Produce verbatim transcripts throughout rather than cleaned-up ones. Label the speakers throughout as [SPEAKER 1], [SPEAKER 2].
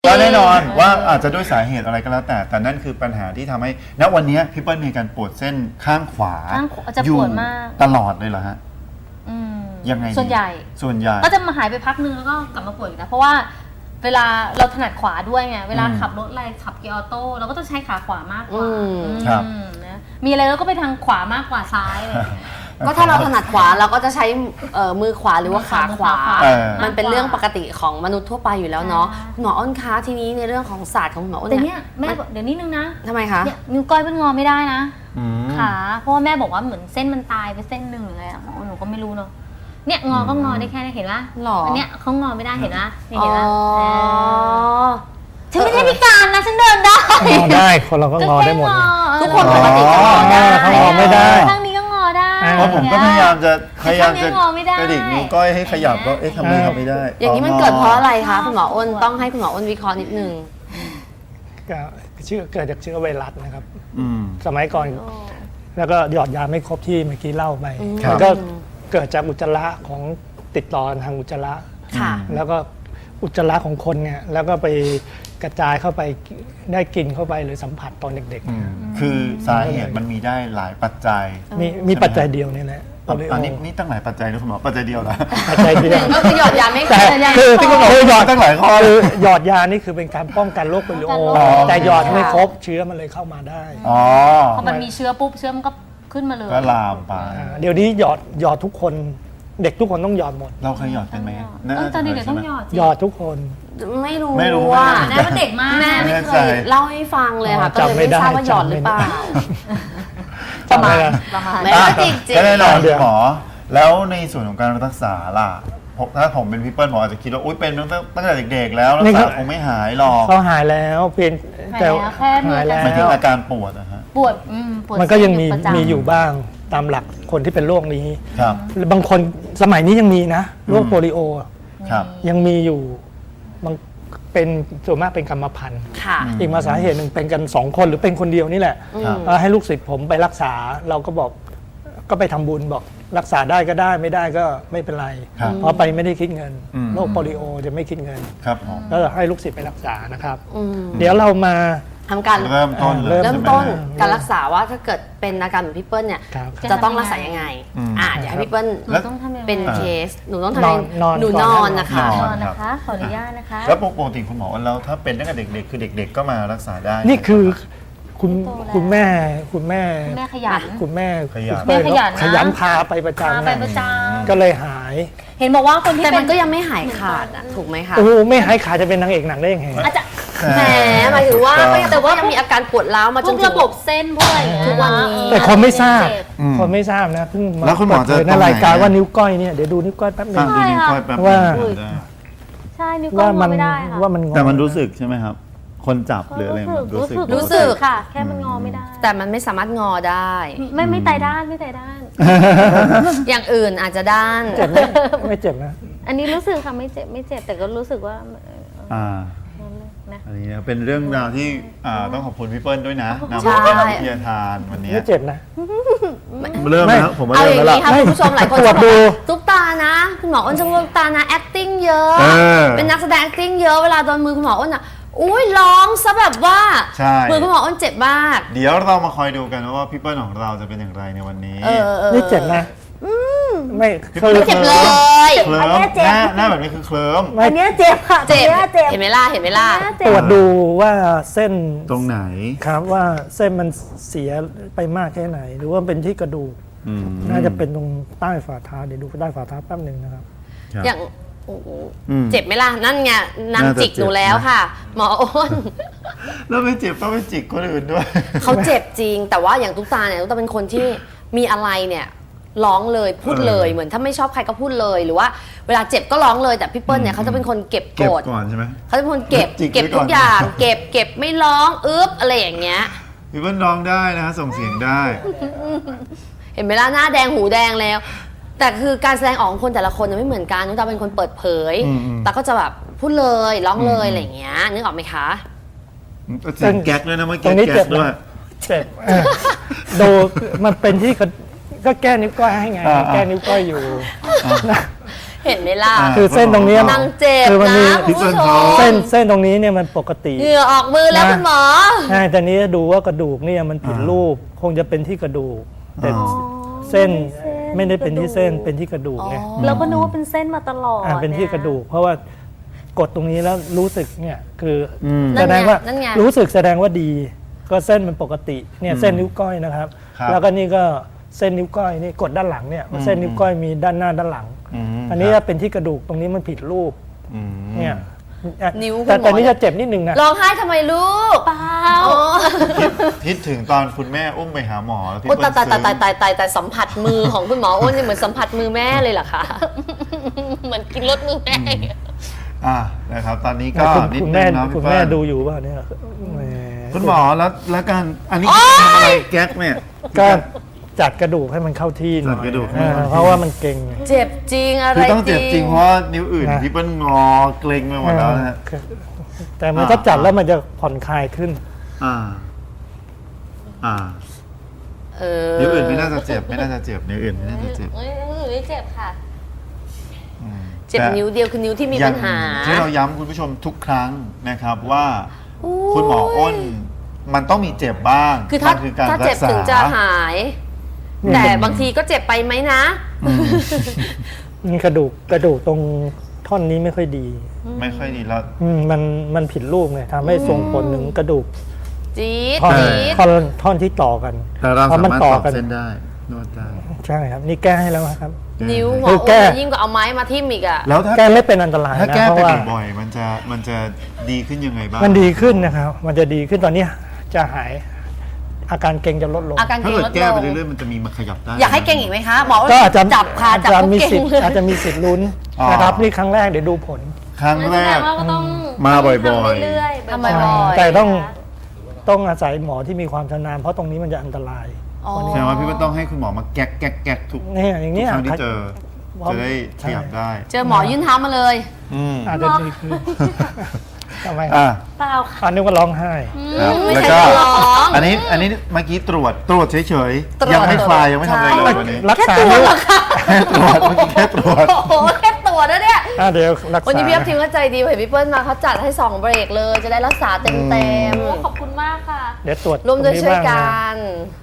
[SPEAKER 1] ก็แน่นอนว่าอาจจะด้วยสาเหตุอะไรก็แล้วแต่แต่นั่นคือปัญหาที่ทำให้ณวันนี้พี่เปิ้ลมีการปวดเส้นข้างขวา
[SPEAKER 2] ข้างขวาจะปวดมาก
[SPEAKER 1] ตลอดเลยเหรอฮะ
[SPEAKER 2] อืม
[SPEAKER 1] ยังไง
[SPEAKER 2] ส่วนใหญ่
[SPEAKER 1] ส่วนใหญ่
[SPEAKER 2] ก็จะมาหายไปพักนึงแล้วก็กลับมาปวดอีกนะเพราะว่าเวลาเราถนัดขวาด้วยไงเวลาขับรถอะไรขับเกียร์ออโต้เราก็ต้องใช้ขาขวามากกว่า
[SPEAKER 3] อืม
[SPEAKER 1] ครับ
[SPEAKER 2] อืมนะมีอะไรเราก็ไปทางขวามากกว่าซ้ายเลย
[SPEAKER 3] ก็ถ้าเราถนัดขวาเราก็จะใช้เอ่อมือขวาหรือว่าขาขวา
[SPEAKER 1] เออ
[SPEAKER 3] มันเป็นเรื่องปกติของมนุษย์ทั่วไปอยู่แล้วเนาะ
[SPEAKER 2] ใช่
[SPEAKER 3] คุณหมออ้นคะทีนี้ในเรื่องของศาสตร์ของคุณหมออ้น
[SPEAKER 2] แต่
[SPEAKER 3] เนี่
[SPEAKER 2] เนี้ยแม่บอกเดี๋ยวนิดนึงนะ
[SPEAKER 3] ทำไมคะ
[SPEAKER 2] เนี่ยนิ้วก้อยเป็นงอไม่ได้นะ
[SPEAKER 1] อืม
[SPEAKER 2] ขาเพราะว่าแม่บอกว่าเหมือนเส้นมันตายไปเส้นหนึ่งหรืออะไรอะหนูก็ไม่รู้เนาะเนี่ยงอก็งอได้แค่นี้เห็นปะ
[SPEAKER 3] หรออั
[SPEAKER 2] นเนี้ยเขางอไม่ได้เห็นปะนี่เห็น
[SPEAKER 3] อ๋
[SPEAKER 2] ปะ
[SPEAKER 3] อ
[SPEAKER 2] ฉันไม่ได้พิการนะฉันเดินได้
[SPEAKER 4] งอได้คนเราก็งอได้หมด
[SPEAKER 3] ทุกคนปกติก็งอได้
[SPEAKER 4] เขางอไม่ได้
[SPEAKER 2] ข้างนี้ก็งอได้
[SPEAKER 4] อ่า
[SPEAKER 1] เพราะผมก็พยายามจะพยายามจะ
[SPEAKER 2] ข้างนี้งอไม่ได้
[SPEAKER 1] กระดิกนิ้วก้อยให้ขยับก็เอ๊ะทำไมทำไม่ได้
[SPEAKER 3] อย่างนี้มันเกิดเพราะอะไรคะคุณหมออ้นต้องให้คุณหมออ้นวิเคราะห์นิดนึง
[SPEAKER 4] ก็เชื้อเกิดจากเชื้อไวรัสนะครับ
[SPEAKER 1] อืม
[SPEAKER 4] สมัยก่อนแล้วก็หยอดยาไม่ครบที่เมื่อกี้เล่าไป
[SPEAKER 1] ครับ
[SPEAKER 4] มันก็เกิดจากอุจจาระของติดต่อทางอุจจาระ
[SPEAKER 3] ค่ะ
[SPEAKER 4] แล้วก็อุจจาระของคนเนี่ยแล้วก็ไปกระจายเข้าไปได้กินเข้าไปหรือสัมผัสตอนเด็ก
[SPEAKER 1] อืมคือสาเหตุมันมีได้หลายปัจจัย
[SPEAKER 4] ๆมีมีปัจจัยเดียวนี่แหละโป
[SPEAKER 1] อั
[SPEAKER 4] ลิโอ
[SPEAKER 1] นนี้นี่ตั้งหลายปัจจัยนะคุณหมอปัจจัยเดียวเหรอ
[SPEAKER 4] ปัจจัยเดียว
[SPEAKER 3] ก็คือหยอดยาไม่
[SPEAKER 4] แต่
[SPEAKER 3] ครบ
[SPEAKER 4] คือ
[SPEAKER 1] ที่คุณหมอหยอดตั้งหลายข้อเล
[SPEAKER 4] คือย หยอดยานี่คือเป็นการป้องกันโรคโปลิโอ
[SPEAKER 2] อ๋อ
[SPEAKER 4] แต่หยอดไม่ครบเชื้อมันเลยเข้ามาได้
[SPEAKER 1] อ๋อ
[SPEAKER 2] พอมันมีเชื้อปุ๊บเชื้อมันก็ขึ้นมาเลย
[SPEAKER 1] ก็ลามไป
[SPEAKER 4] อ่าเดี๋ยวนี้หยอดหยอดทุกคนเด็กทุกคนต้องหยอดหมด
[SPEAKER 1] เราเคยหยอดกันไหม
[SPEAKER 2] เออตอนเด็กๆต้องหยอดสิ
[SPEAKER 4] หยอดทุกคน
[SPEAKER 3] ไม่รู้
[SPEAKER 1] ไม่รู้
[SPEAKER 3] ว่า
[SPEAKER 2] แม่ว่าเด็กมาก
[SPEAKER 3] แม่ไม่เคยเล่าให้ฟังเลยค่ะ
[SPEAKER 4] อ๋อ
[SPEAKER 3] ก็เลยไม่ทราบว่าหยอดหรือเปล่า
[SPEAKER 4] จำไม่ได้
[SPEAKER 2] ประมาณ
[SPEAKER 3] ไม่
[SPEAKER 1] อ่ะ
[SPEAKER 3] จริงจริง
[SPEAKER 1] ก็แน่นอน
[SPEAKER 4] เดี๋ยว
[SPEAKER 1] หมอ แล้วในส่วนของการรักษาล่ะผมถ้าผมเป็นพี่เปิ้ลหมออาจจะคิดว่าอุ้ยเป็นตั้งแต่ตั้งแต่เด็กๆแล้วรักษาคงไม่หายหรอก
[SPEAKER 4] เขาหายแล้วเพียงแต่
[SPEAKER 2] หายแล้วแค่มี
[SPEAKER 4] หายแล้ว
[SPEAKER 1] หมายถึงอาการปวดนะฮะ
[SPEAKER 2] ปวดอืมปวด
[SPEAKER 4] มันก็ยังมี
[SPEAKER 2] ประจำ
[SPEAKER 4] มีอยู่บ้างตามหลักคนที่เป็นโรคนี้
[SPEAKER 1] ครับ
[SPEAKER 4] บางคนสมัยนี้ยังมีนะโรค
[SPEAKER 1] อืม
[SPEAKER 4] โปลิโอ
[SPEAKER 1] ครับ
[SPEAKER 4] ยังมีอยู่บางเป็นส่วนมากเป็นกรรมพันธุ์
[SPEAKER 3] ค่ะ
[SPEAKER 4] อีกมาสาเหตุหนึ่งเป็นกันสองคนหรือเป็นคนเดียวนี่แหละ
[SPEAKER 1] ครับ
[SPEAKER 4] เอ่อให้ลูกศิษย์ผมไปรักษาเราก็บอกก็ไปทำบุญบอกรักษาได้ก็ได้ไม่ได้ก็ไม่เป็นไร
[SPEAKER 1] ครับ
[SPEAKER 4] เพราะไปไม่ได้คิดเงิน
[SPEAKER 1] อืม
[SPEAKER 4] โรคโปลิโอจะไม่คิดเงิน
[SPEAKER 1] ครับผม
[SPEAKER 4] แล้วให้ลูกศิษย์ไปรักษานะครับ
[SPEAKER 3] อืม
[SPEAKER 4] เดี๋ยวเรามา
[SPEAKER 3] ทำการ
[SPEAKER 1] เริ่มต้นเลย
[SPEAKER 4] เริ่
[SPEAKER 3] เริ่ม
[SPEAKER 1] ใช่ไห
[SPEAKER 3] ต้น
[SPEAKER 1] ฮะ
[SPEAKER 3] การรักษาว่าถ้าเกิดเป็นอาการเหมือนพี่เปิ้ลเนี่ย
[SPEAKER 4] ครับ
[SPEAKER 3] จะต้องรักษายังไง
[SPEAKER 1] อืม
[SPEAKER 3] อ่าเดี๋ยวให้พี่เปิ้ล
[SPEAKER 2] หนูต้องทำยังไง
[SPEAKER 3] เป็น
[SPEAKER 1] อ่า
[SPEAKER 3] เคส หนูต้องทำ
[SPEAKER 4] นอนนอน
[SPEAKER 3] หนู
[SPEAKER 4] ก่
[SPEAKER 3] น
[SPEAKER 4] อน
[SPEAKER 3] อน
[SPEAKER 4] นะ
[SPEAKER 3] นะคะ
[SPEAKER 2] นอนนะคะ ขออนุญาตนะคะ
[SPEAKER 1] แล้วปกติคุณหมอแล้วถ้าเป็นตั้งแต่เด็กๆ คือเด็ก ๆ ก็มารักษาได้
[SPEAKER 4] นี่คือคุณ
[SPEAKER 2] โตแล้ว
[SPEAKER 4] คุณแม่คุณแม่
[SPEAKER 2] คุณแม่ขยัน
[SPEAKER 4] คุณแม่
[SPEAKER 1] ขยัน
[SPEAKER 4] คุณเปิ้ล
[SPEAKER 2] แม่ขยันนะ
[SPEAKER 4] ขยันพาไปประ
[SPEAKER 2] พา
[SPEAKER 4] จำ
[SPEAKER 2] ไป
[SPEAKER 4] นะ
[SPEAKER 2] ประจ
[SPEAKER 4] ก็เลยหาย
[SPEAKER 2] ำเห็นบอกว่าคนที่
[SPEAKER 3] แต่
[SPEAKER 2] เป็
[SPEAKER 3] มัน นก็ยังไม่หายขาดอะถูกไหมคะ
[SPEAKER 4] โอ้โหไม่หายขาดจะเป็นนางเอกหนังได้ยังไง
[SPEAKER 2] อาจจะ
[SPEAKER 3] แหมหมายถึงว่า
[SPEAKER 1] ถูกต้อง
[SPEAKER 3] ก็ยังแต่ว่ายังมีอาการปวดร้าวมา
[SPEAKER 2] พ
[SPEAKER 3] จ
[SPEAKER 2] วน ก
[SPEAKER 3] ถึ
[SPEAKER 2] ระ
[SPEAKER 3] ง
[SPEAKER 2] บบเส้นพวกอะไรอย่างเงี้ย
[SPEAKER 3] ทุกวันนี้
[SPEAKER 4] แต่คนไม่ทราบ
[SPEAKER 2] เจ็บ
[SPEAKER 1] อืม
[SPEAKER 4] คนไม่ทราบนะเพิ่งมา
[SPEAKER 1] แล้วคุณหมอจะ
[SPEAKER 4] เปิดเผยใน
[SPEAKER 1] ตรงไหน
[SPEAKER 4] รายการว่านิ้วก้อยเนี่ยเดี๋ยวดูนิ้วก้อยแป๊บหนึ
[SPEAKER 1] ฟัง
[SPEAKER 4] ง
[SPEAKER 1] ดูนิ้วก้อยแป๊บนึง
[SPEAKER 4] ว่า
[SPEAKER 1] ได้
[SPEAKER 2] ใช่นิ้วก้อ
[SPEAKER 4] ว่าง มั
[SPEAKER 2] อน ไม่ได้ค่ะ
[SPEAKER 4] ว่ามันงอ
[SPEAKER 1] แต่มันรู้สึกใช่ไหมครับ คนจับหรืออะไรมันรู้สึก
[SPEAKER 3] รู้สึก
[SPEAKER 2] ค่ะ แค่มันงอไม่ได้
[SPEAKER 3] แต่มันไม่สามารถงอได้
[SPEAKER 2] ไม่ไม่ไตายด้านไม่ไตายด้าน
[SPEAKER 3] อย่างอื่นอาจจะด้าน
[SPEAKER 4] เจ็บไหมไม่เจ็บนะ
[SPEAKER 2] อันนี้รู้สึกค่ะไม่เจ็บไม่เจ็บแต่ก็รู้สึกว่าเอ่อ
[SPEAKER 1] อ่า
[SPEAKER 2] นะ
[SPEAKER 1] อันนี้นะเป็นเรื่องราวที่อ่าต้องขอบคุณพี่เปิ้ลด้วยนะนำ
[SPEAKER 3] ใช่
[SPEAKER 1] มาเป็นวิทยาทานวันนี้
[SPEAKER 4] ไม่เจ็บนะ
[SPEAKER 1] เริ่มแล้วผมว่า
[SPEAKER 3] เอา
[SPEAKER 1] เริ่
[SPEAKER 3] อ
[SPEAKER 1] ม
[SPEAKER 3] ย่าง
[SPEAKER 1] แล้ว
[SPEAKER 3] นี้
[SPEAKER 1] ล่ะ
[SPEAKER 3] ค่ะคุณผู้ชมหลายคน
[SPEAKER 4] ตรว
[SPEAKER 3] จะ
[SPEAKER 4] จ
[SPEAKER 3] บอก
[SPEAKER 4] ดู
[SPEAKER 3] ว่าตุ๊กตานะ คุณหมออ้นจะพูดตุ๊กตานะ acting เยอะ
[SPEAKER 1] เออ
[SPEAKER 3] เป็นนักแสดง acting เยอะเวลาโดนมือคุณหมออ้นอ่ะอุ้ยร้องซะแบบว่า
[SPEAKER 1] ใช่
[SPEAKER 3] มือคุณหมออ้นเจ็บมาก
[SPEAKER 1] เดี๋ยวเรามาคอยดูกันว่าพี่เปิ้ลของเราจะเป็นอย่างไรในวันนี้
[SPEAKER 3] เออเออ
[SPEAKER 4] ไม่เจ็บนะไม่
[SPEAKER 1] พี่
[SPEAKER 4] เค
[SPEAKER 1] ปิ้
[SPEAKER 4] ย
[SPEAKER 1] ล
[SPEAKER 3] เจ็บเลย
[SPEAKER 1] เคลิ้
[SPEAKER 2] อัน
[SPEAKER 1] ม
[SPEAKER 2] เนี้ยเจ็บ
[SPEAKER 1] หน้าหน้าแบบนี้คือเคลิ้ม
[SPEAKER 4] ไม่
[SPEAKER 2] อันเนี้ยเจ็บค่ะ
[SPEAKER 3] เจ็บ
[SPEAKER 2] อันนี้ยเจ็บ
[SPEAKER 3] เห็นไหมล่ะเห็นไหมล่ะ
[SPEAKER 2] อันเนี้ย
[SPEAKER 4] ต
[SPEAKER 2] เจ็
[SPEAKER 4] ร
[SPEAKER 2] บ
[SPEAKER 4] วจดูว่าเส้น
[SPEAKER 1] ตรงไหน
[SPEAKER 4] ครับว่าเส้นมันเสียไปมากแค่ไหน หรือว่าเป็นที่กระดูก
[SPEAKER 1] อืม
[SPEAKER 4] น่าจะเป็นตรงใต้ฝ่าเท้าเดี๋ยวดูใต้ฝ่าเท้าแป๊บหนึ่งนะครับ
[SPEAKER 1] ครับ
[SPEAKER 3] อย่างโอ้โห
[SPEAKER 1] อืม
[SPEAKER 3] เจ็บไหมล่ะ นั่นไงนาง
[SPEAKER 1] น่าจะ
[SPEAKER 3] จิกหนู
[SPEAKER 1] เจ็บ
[SPEAKER 3] แล้ว
[SPEAKER 1] นะ
[SPEAKER 3] ค่ะ หมออ้น
[SPEAKER 1] แล้วไม่เจ็บต้องไปจิกคนอื่นด้วย
[SPEAKER 3] เขาเจ็บจริง แต่ว่าอย่างตุ๊กตาเนี่ยตุ๊กตาเป็นคนที่มีอะไรเนี่ยร้องเลยพูดเลย
[SPEAKER 1] เออ
[SPEAKER 3] เหมือนถ้าไม่ชอบใครก็พูดเลย หรือว่าเวลาเจ็บก็ร้องเลยแต่พี่เปิ้ลเนี่ยเขาจะเป็นคนเก็บโก
[SPEAKER 1] เก็บ
[SPEAKER 3] รธ
[SPEAKER 1] ก่อนใช่ไหม
[SPEAKER 3] เขาจะเป็นคนเก็บ
[SPEAKER 1] จิกไว้
[SPEAKER 3] เก็บ
[SPEAKER 1] ก่
[SPEAKER 3] ทุ
[SPEAKER 1] อน
[SPEAKER 3] กอย่าง เก็บเก็บไม่ร้องอึ๊บอะไรอย่างเงี้ย
[SPEAKER 1] พี่เปิ้ลร้องได้นะฮะส่งเสียงได้
[SPEAKER 3] เห็นไหมล่ะหน้าแดงหูแดงแล้ว แต่คือการแสดงออกของคนแต่ละคนเนี่ยไม่เหมือนกันนุ๊กตาเป็นคนเปิดเผย
[SPEAKER 1] อืมอืม
[SPEAKER 3] แต่ก็จะแบบพูดเลยร้องเลย
[SPEAKER 1] อืม
[SPEAKER 3] อะไรอย่างเงี้ยนึกออกไหมคะ
[SPEAKER 1] เสียงแก๊กด้วยนะเมื่อ
[SPEAKER 4] ตร
[SPEAKER 1] กี้
[SPEAKER 4] งนี้
[SPEAKER 1] แก๊
[SPEAKER 4] เจ็บ
[SPEAKER 1] กด้วย
[SPEAKER 4] นะเจ็บเออดูมันเป็นที่กระก็แก้นิ้วก้อยให้ไง
[SPEAKER 1] อ่าอ่า
[SPEAKER 4] แก้นิ้วก้อยอยู่
[SPEAKER 3] เห็นไหมล่ะ
[SPEAKER 1] อ่า
[SPEAKER 4] คือเส้นตรงเนี้ย
[SPEAKER 3] นางเจ็บ
[SPEAKER 4] คือมันมี
[SPEAKER 3] นะคุณผู้ชม
[SPEAKER 4] เส้นเส้นตรงนี้เนี่ยมันปกติ
[SPEAKER 3] เหงื่อออกมือแล้ว
[SPEAKER 4] นะ
[SPEAKER 3] คุณหมอ
[SPEAKER 4] ใช่แต่นี้ดูว่ากระดูกเนี่ยมันผิดรูป คงจะเป็นที่กระดูก แต่
[SPEAKER 1] อ๋อ
[SPEAKER 4] เส้นไม่ได้เป็นที่เส้นเป็นที่กระดูกไง
[SPEAKER 2] เราก็นึกว่าเป็นเส้นมาตลอด
[SPEAKER 4] อ่าเป็นที่กระดูก เพราะว่ากดตรงนี้แล้วรู้สึกเนี่ยคือ
[SPEAKER 1] อืม
[SPEAKER 3] นั่
[SPEAKER 4] แส
[SPEAKER 3] นไง
[SPEAKER 4] ดงว่า
[SPEAKER 3] นั่นไง
[SPEAKER 4] รู้สึกแสดงว่าดี ก็เส้นมันปกติเนี่ย
[SPEAKER 1] อืม
[SPEAKER 4] เส้นนิ้วก้อยนะครับ
[SPEAKER 1] ครับ
[SPEAKER 4] แล้วก็นี่ก็เส้นนิ้วก้อยนี่กดด้านหลังเนี่ย
[SPEAKER 1] อืม
[SPEAKER 4] เส้นนิ้วก้อยมีด้านหน้าด้านหลัง
[SPEAKER 1] ม
[SPEAKER 4] อันนี้
[SPEAKER 1] ครับ
[SPEAKER 4] เป็นที่กระดูกตรงนี้มันผิดรูป
[SPEAKER 1] อืม
[SPEAKER 4] เนี่ย
[SPEAKER 3] นิ้วคุณ
[SPEAKER 4] แต่
[SPEAKER 3] หมอ
[SPEAKER 4] แต่นี่จะเจ็บนิดนึงนะ
[SPEAKER 3] ร้องไห้ทำไมลูก
[SPEAKER 2] เปล่า
[SPEAKER 3] อ๋อ
[SPEAKER 1] คิดคิดถึงตอนคุณแม่อุ้มไปหาหมอแล้วพี่
[SPEAKER 3] โอ้
[SPEAKER 1] เปิ้
[SPEAKER 3] ตาย
[SPEAKER 1] ล
[SPEAKER 3] ตายตาย
[SPEAKER 1] ซื้อ
[SPEAKER 3] ตายตายตายแต่สัมผัสมือของคุณหมออ้นเนี่ยเหมือนสัมผัสมือแม่เลยเหรอคะ เหมือนกินรสมือแม่
[SPEAKER 1] อ่านะครับ ตอนนี้ก็
[SPEAKER 4] คุณ
[SPEAKER 1] นิด
[SPEAKER 4] คุณ
[SPEAKER 1] นึ
[SPEAKER 4] แม่
[SPEAKER 1] งเนาะ
[SPEAKER 4] คุ
[SPEAKER 1] พี่
[SPEAKER 4] ณ
[SPEAKER 1] เปิ้
[SPEAKER 4] แม่
[SPEAKER 1] ล
[SPEAKER 4] ดูอยู่ป่ะเนี่ยแหม
[SPEAKER 1] คุณหมอแล้วแล้วการอันนี้ทำอะไรแก๊กเนี่ย
[SPEAKER 4] ก็จัดกระดูกให้มันเข้าที่หน่อย
[SPEAKER 1] จัดกระดูกให้มัน
[SPEAKER 4] อ่า
[SPEAKER 1] เข้าที่
[SPEAKER 4] เพราะว่ามันเก่ง
[SPEAKER 3] เจ็บจริงอะไร
[SPEAKER 1] คือต้องเจ็บจริงเพราะว่านิ้วอื่น
[SPEAKER 4] นะ
[SPEAKER 1] พี่เปิ้ลงอเกร็งไปหมดแล้วนะฮะ
[SPEAKER 4] คือแต่มันก็จัดแล้วมันจะผ่อนคลายขึ้น
[SPEAKER 1] อ่า อ่า
[SPEAKER 3] เออ
[SPEAKER 1] นิ้วอื่นไม่น่าจะเจ็บไม่น่าจะเจ็บนิ้วอื่นไม่น่าจะเจ็บ
[SPEAKER 3] เอ้ยนิ้วอื่นไม่เจ็บค่ะ
[SPEAKER 1] อืม
[SPEAKER 3] เจ็บ
[SPEAKER 1] แต่
[SPEAKER 3] นิ้วเดียวคือนิ้วที่มี
[SPEAKER 1] อย่
[SPEAKER 3] ปัญหา
[SPEAKER 1] ที่เราย้ำคุณผู้ชมทุกครั้งนะครับว่า
[SPEAKER 3] โอ้ย
[SPEAKER 1] คุณหมออ้นมันต้องมีเจ็บบ้าง
[SPEAKER 3] คือถ้า
[SPEAKER 1] มันคือการ
[SPEAKER 3] ถ้า
[SPEAKER 1] รั
[SPEAKER 3] เจ็บ
[SPEAKER 1] กษา
[SPEAKER 3] ถึงจะหาย แต่บางทีก็เจ็บไปไหมนะ
[SPEAKER 4] นี่กระดูกกระดูกตรงท่อนนี้ไม่ค่อยดี
[SPEAKER 1] ไม่ค่อยดีแล้ว
[SPEAKER 4] อืมมันมันผิดรูปไงทำให้ส่งผลถึงกระดูก
[SPEAKER 3] จี๊ด
[SPEAKER 4] ท่อน
[SPEAKER 3] จี๊ด
[SPEAKER 4] ท่อนท่อนที่ต่อกัน
[SPEAKER 1] แต่เรา
[SPEAKER 4] พอ
[SPEAKER 1] สา
[SPEAKER 4] มัน
[SPEAKER 1] มารถ
[SPEAKER 4] ต่
[SPEAKER 1] ต่
[SPEAKER 4] อ
[SPEAKER 1] อ
[SPEAKER 4] กัน
[SPEAKER 1] เส้นได้นวดได้
[SPEAKER 4] ใช่ครับ นี่แก้ให้แล้วครับ
[SPEAKER 3] นิ้วหม
[SPEAKER 4] คือ อ
[SPEAKER 3] อ้
[SPEAKER 4] แก้
[SPEAKER 3] นยิ่งกว่าเอาไม้มาทิ่มอีกอะ
[SPEAKER 1] แล้วถ้า
[SPEAKER 4] แก้ไม่เป็นอันตราย
[SPEAKER 1] ถ้า
[SPEAKER 4] นะ
[SPEAKER 1] แก้
[SPEAKER 4] เพ
[SPEAKER 1] ไป
[SPEAKER 4] ราะว่า
[SPEAKER 1] บ่อยๆมันจะมันจะดีขึ้นยังไงบ้าง
[SPEAKER 4] มันดีขึ้นนะครับ มันจะดีขึ้นตอนนี้จะหาย อาการเกร็งจะลดลง
[SPEAKER 3] อาการ
[SPEAKER 1] ถ้า
[SPEAKER 3] เกร็ง
[SPEAKER 1] เกิด
[SPEAKER 3] ลด
[SPEAKER 1] แก้
[SPEAKER 3] ล
[SPEAKER 1] ไป
[SPEAKER 3] ง
[SPEAKER 1] เรื่อยๆมันจะมีมาขยับได้
[SPEAKER 3] อยากให้เก่งอีกไหมคะหมอ
[SPEAKER 4] ก็อาจจะ
[SPEAKER 3] จับค่ะ
[SPEAKER 4] อาจ
[SPEAKER 3] จับ
[SPEAKER 4] จะ
[SPEAKER 3] ปุ๊บ
[SPEAKER 4] มี
[SPEAKER 3] เก่
[SPEAKER 4] สิท
[SPEAKER 3] ง
[SPEAKER 4] ธิ์
[SPEAKER 3] เลย
[SPEAKER 4] อาจจะมีสิทธิ์ลุ้น
[SPEAKER 1] อ๋อ
[SPEAKER 4] นะครับนี่ครั้งแรกเดี๋ยวดูผล
[SPEAKER 1] ครั้งแร
[SPEAKER 2] แสด
[SPEAKER 1] ก
[SPEAKER 2] งว่าก็ต้อง
[SPEAKER 1] มาบ่อยๆ
[SPEAKER 2] ทำเรื่อยๆ
[SPEAKER 3] ทำ
[SPEAKER 2] บ่อย
[SPEAKER 3] บ่อยๆ
[SPEAKER 4] แต่ต้องต้องอาศัยหมอที่มีความชำนาญเพราะตรงนี้มันจะอันตราย
[SPEAKER 3] อ๋อ
[SPEAKER 1] แสดงว่าพี่มันต้องให้คุณหมอมาแก๊กแก๊กแก๊กทุก
[SPEAKER 4] เนี่ยอย่าง
[SPEAKER 1] ทุก
[SPEAKER 4] เนี้ย
[SPEAKER 1] ครั้งที่เจอ
[SPEAKER 4] เพราะ
[SPEAKER 1] จะได้ข
[SPEAKER 4] ใช่
[SPEAKER 1] ยับได้
[SPEAKER 3] เจอหมอยื่นเท้ามาเลย
[SPEAKER 1] อืม
[SPEAKER 4] อาจจะดีขึ้นทำไม
[SPEAKER 1] อ่า
[SPEAKER 2] เปล่าค่ะ
[SPEAKER 4] อันนึกว่าร้องไห้
[SPEAKER 1] ครับ
[SPEAKER 3] ไม่
[SPEAKER 1] แล้ว
[SPEAKER 3] ใช่
[SPEAKER 1] ก็
[SPEAKER 3] ร้อง
[SPEAKER 1] อันนี้อันนี้เมื่อกี้ตรวจตรวจเฉย
[SPEAKER 3] ตรวจ
[SPEAKER 1] ๆยังไม่คลายยังไม่ทำอะไรเลย
[SPEAKER 3] ใช่
[SPEAKER 1] วันนี้
[SPEAKER 4] รักษา
[SPEAKER 3] แค่ตัวเหรอคะ
[SPEAKER 1] แค่ตรวจเมื่อกี้แค่ตรวจ
[SPEAKER 3] โอ้โหแค่ตัวนะเนี่ย
[SPEAKER 4] อ่ะเดี๋ยวรักษา
[SPEAKER 3] วันนี้พี่อัพทีมก็ใจดีเห็นพี่เปิ้ลมาเขาจัดให้สองเบรกเลย จะได้รักษาเต็มเต็ม
[SPEAKER 2] โอ้ขอบคุณมากค่ะ
[SPEAKER 4] เดี๋ยวตรวจ
[SPEAKER 3] ร่วมด้วย
[SPEAKER 4] ตงนี้
[SPEAKER 3] ช่วย
[SPEAKER 4] บ้าง
[SPEAKER 3] กั
[SPEAKER 4] นะ
[SPEAKER 3] น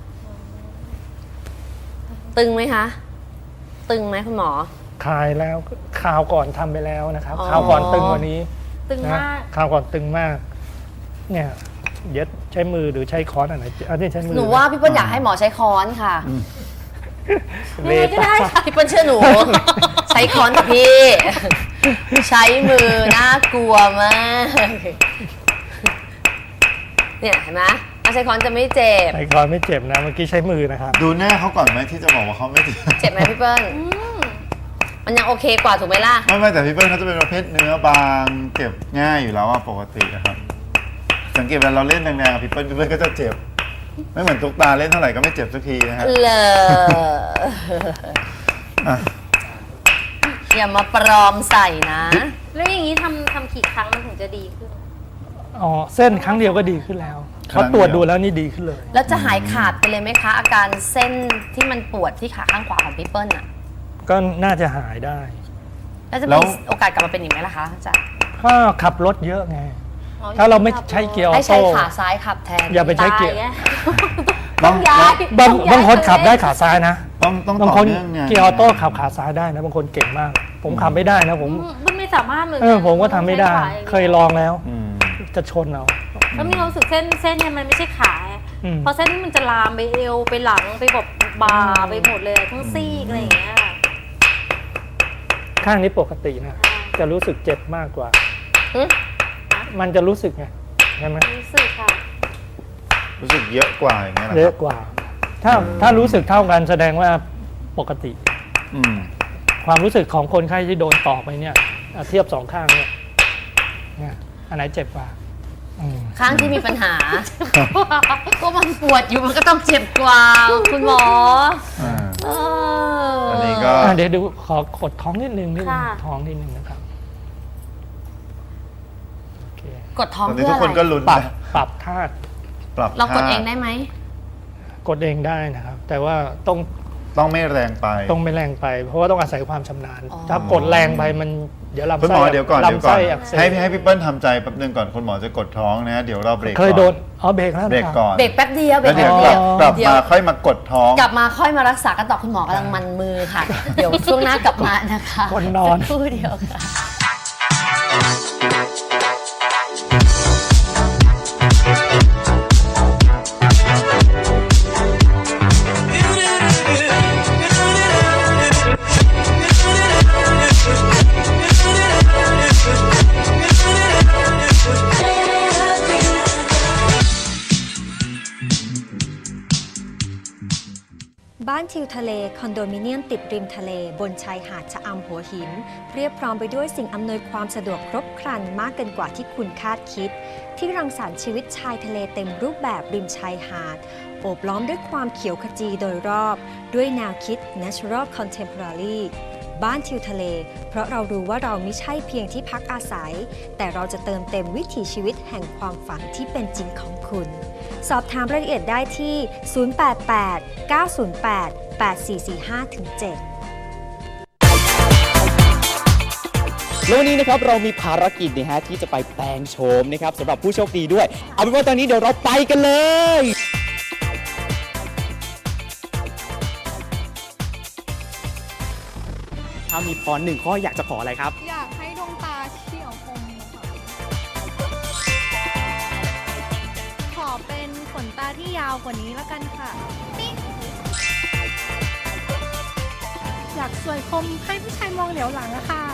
[SPEAKER 3] ตึงไหมคะ ตึงไหมคุณหมอ
[SPEAKER 4] คลายแล้วข่าวก่อนทำไปแล้วนะครับ
[SPEAKER 3] อ๋อ
[SPEAKER 4] ข่าวก่อนตึงกว่านี้
[SPEAKER 2] ตึง
[SPEAKER 4] นะ
[SPEAKER 2] มาก
[SPEAKER 4] ข่าวก่อนตึงมาก เนี่ยเดี๋ยวใช้มือหรือใช้ค้อนอันไหนอันนี้ใช้มือ
[SPEAKER 3] หนูว่าพี่เปิ้ลอยากให้หมอใช้ค้อนค่ะ
[SPEAKER 4] เล
[SPEAKER 2] ยังไงก็ได้
[SPEAKER 4] ต้า
[SPEAKER 2] ค่ะ
[SPEAKER 3] พี่เปิ้ลเชื่อหนู ใช้ค้อนกับพี่ ใช้มือน่ากลัวมาก เนี่ยเห็นไหมเอาใช้ค้อนจะไม่เจ็บ
[SPEAKER 4] ใช้ค้อนไม่เจ็บนะ เมื่อกี้ใช้มือนะครับ
[SPEAKER 1] ดูหน้าเขาก่อนไหมที่จะบอกว่าเขาไม่เจ็บ
[SPEAKER 3] เจ็บไหมพี่เปิ้ลมันยังโอเคกว่าถูกไหมล่ะ
[SPEAKER 1] ไม่ไม่แต่พี่เปิ้ลเขาจะเป็นประเภทเนื้อบางเจ็บง่ายอยู่แล้วอะปกตินะครับ สังเกตเวลาเราเล่นแรงๆกับพี่เปิ้ลพี่เปิ้ลก็จะเจ็บ ไม่เหมือนตุ๊กตาเล่นเท่าไหร่ก็ไม่เจ็บสักทีนะฮะ
[SPEAKER 3] เลอ
[SPEAKER 1] อ่ะ
[SPEAKER 3] อย่ามาปลอมใส่นะ
[SPEAKER 2] แล้วอย่างนี้ทำทำกี่ครั้งมันถึงจะดีขึ้น
[SPEAKER 4] อ๋อเส้นครั้งเดียวก็ดีขึ้นแล้วเพราะตรวจดูแล้วนี่ดีขึ้นเลย
[SPEAKER 3] แล้วจะหายขาดไปเลยไหมคะ อาการเส้นที่มันปวดที่ขาข้างขวาของพี่เปิ้ลอ่ะ
[SPEAKER 4] ก็น่าจะหายได้
[SPEAKER 3] แล้วจะ
[SPEAKER 1] แล้
[SPEAKER 3] มี
[SPEAKER 1] ว
[SPEAKER 3] โอกาสกลับมาเป็นอีกไหมล่ะคะอาจารย์
[SPEAKER 4] ก็ขับรถเยอะไง ถ้าเราไม่ใช้เกียร์ออ
[SPEAKER 3] ให้ใช้
[SPEAKER 4] โต้
[SPEAKER 3] ขาซ้ายขับแทน
[SPEAKER 4] อย่าไปใช้เกียร์
[SPEAKER 2] ตาไง
[SPEAKER 1] ต้อง
[SPEAKER 2] ย้าย
[SPEAKER 4] บาง
[SPEAKER 2] ต้องย้ย
[SPEAKER 4] บางคนขับได้
[SPEAKER 2] ตัวเอง
[SPEAKER 4] ขาซ้ายนะ
[SPEAKER 1] ต้องต้อง
[SPEAKER 4] บาง
[SPEAKER 1] ต่อ
[SPEAKER 4] คน
[SPEAKER 1] เนื่องไง
[SPEAKER 4] เกียร์ออโต้ขับขาซ้ายได้นะบางคนเก่งมาก ผมขับไม่ได้นะผม
[SPEAKER 2] มันไม่สามารถเหมือน
[SPEAKER 4] เออผมก็ทำไม่ได้
[SPEAKER 2] ใช้ขวาาง
[SPEAKER 4] เคยลองแล้ว
[SPEAKER 1] อืม
[SPEAKER 4] จะชนเอา
[SPEAKER 2] แล้วมีความรู้สึกเส้นเส้นเนี่ยมันไม่ใช่ขา
[SPEAKER 4] อืม
[SPEAKER 2] เพราะเส้นนี่มันจะลามไปเอวไปหลังไปแบบบ่าไปหมดเลยทั้งซี่อะไรอย่างเงี้ย
[SPEAKER 4] ข้างนี้ปกตินะจะรู้สึกเจ็บมากกว่า
[SPEAKER 3] หึ
[SPEAKER 4] มันจะรู้สึกไงใช่ไหม
[SPEAKER 2] รู้สึกค่ะ
[SPEAKER 1] รู้สึกเยอะกว่าอย่างเงี้ยเหรอ
[SPEAKER 4] เย
[SPEAKER 1] ค
[SPEAKER 4] อะ
[SPEAKER 1] รับ
[SPEAKER 4] กว่า ถ้าถ้ารู้สึกเท่ากันแสดงว่าปกติ
[SPEAKER 1] อืม
[SPEAKER 4] ความรู้สึกของคนไข้ที่โดนต่อไปเนี่ยอ่ะเทียบสองข้างเนี่ยเนี่ยอันไหนเจ็บกว่าอืม
[SPEAKER 3] ข้างที่มีปัญหา ก็มันปวดอยู่มันก็ต้องเจ็บกว่า คุณหมอ
[SPEAKER 1] อ่า
[SPEAKER 3] เออ
[SPEAKER 1] อั
[SPEAKER 3] อั
[SPEAKER 1] นนี้ก็
[SPEAKER 4] อ่ะเดี๋ยวดูขอกดท้องนิดนึงนิดนึง
[SPEAKER 2] ค่ะ
[SPEAKER 4] ท้องนิดนึงนะครับโอเค
[SPEAKER 3] กดท้อง
[SPEAKER 1] ตอนนี้
[SPEAKER 3] เพื่อ
[SPEAKER 1] ทุก
[SPEAKER 3] อะ
[SPEAKER 1] คนก็
[SPEAKER 3] ไร
[SPEAKER 1] ลุ้น
[SPEAKER 4] ปรับ
[SPEAKER 1] นะ
[SPEAKER 4] ปรับท่า
[SPEAKER 1] ปรับ
[SPEAKER 3] เรากด
[SPEAKER 1] ท่
[SPEAKER 3] เองได้ไหม
[SPEAKER 4] กดเองได้นะครับ แต่ว่าต้อง
[SPEAKER 1] ต้องไม่แรงไป
[SPEAKER 4] ต้องไม่แรงไป เพราะว่าต้องอาศัยความชำนาญ
[SPEAKER 3] อ๋อ
[SPEAKER 4] ถ้ากดแรงไปมันเดี๋ยวลำ
[SPEAKER 1] คุณ
[SPEAKER 4] ไส้
[SPEAKER 1] หมอเดี๋ยวก่อนเดี๋ยว
[SPEAKER 4] ลำ
[SPEAKER 1] ก่อ
[SPEAKER 4] ไส้
[SPEAKER 1] น
[SPEAKER 4] อักเสบ
[SPEAKER 1] ให้ให้พี่เปิ้ลทำใจแป๊บนึงก่อนคุณหมอจะกดท้องนะเดี๋ยวเราเบรก
[SPEAKER 4] เคย
[SPEAKER 1] ก่อน
[SPEAKER 4] โดนอ๋อเบรกแล้ว
[SPEAKER 1] เบรกก่อน
[SPEAKER 3] เบรกแป๊บเดียวเบร
[SPEAKER 1] แล้ว
[SPEAKER 3] ก
[SPEAKER 1] เดี๋ยว
[SPEAKER 3] แป๊บ
[SPEAKER 1] กลั
[SPEAKER 3] เดี
[SPEAKER 1] บ
[SPEAKER 3] ยว
[SPEAKER 1] กลับมาค่อยมากดท้อง
[SPEAKER 3] กลับมาค่อยมารักษากันต่อคุณหมอกำลังมันมือค่ะ เดี๋ยวช่วงหน้ากลับมานะคะ
[SPEAKER 4] คนนอน
[SPEAKER 3] สักครู่เดียวค่ะ
[SPEAKER 5] บ้านทิวทะเลคอนโดมิเนียมติดริมทะเลบนชายหาดชะอำหัวหินเรียบพร้อมไปด้วยสิ่งอำนวยความสะดวกครบครันมากเกินกว่าที่คุณคาดคิด ที่รังสรรค์ชีวิตชายทะเลเต็มรูปแบบริมชายหาดโอบล้อมด้วยความเขียวขจีโดยรอบ ด้วยแนวคิด Natural Contemporary บ้านทิวทะเล เพราะเรารู้ว่าเราไม่ใช่เพียงที่พักอาศัย แต่เราจะเติมเต็มวิถีชีวิตแห่งความฝันที่เป็นจริงของคุณ สอบถามรายละเอียดได้ที่ ศูนย์ แปด แปด เก้า ศูนย์ แปด แปด สี่ สี่ ห้า เจ็ด
[SPEAKER 6] แล้ววันนี้นะครับเรามีภารกิจนะฮะที่จะไปแปลงโฉมนะครับสำหรับผู้โชคดีด้วย เอาเป็นว่าตอนนี้เดี๋ยวเราไปกันเลย ถ้ามีพรหนึ่งข้ออยากจะขออะไรครับ
[SPEAKER 7] อยากให้ดวงตาเฉียวคมค่ะขอเป็นขนตาที่ยาวกว่านี้แล้วกันค่ะปิ๊งอยากสวยคมให้ผู้ชายมองเหลียวหลังอะค่ะ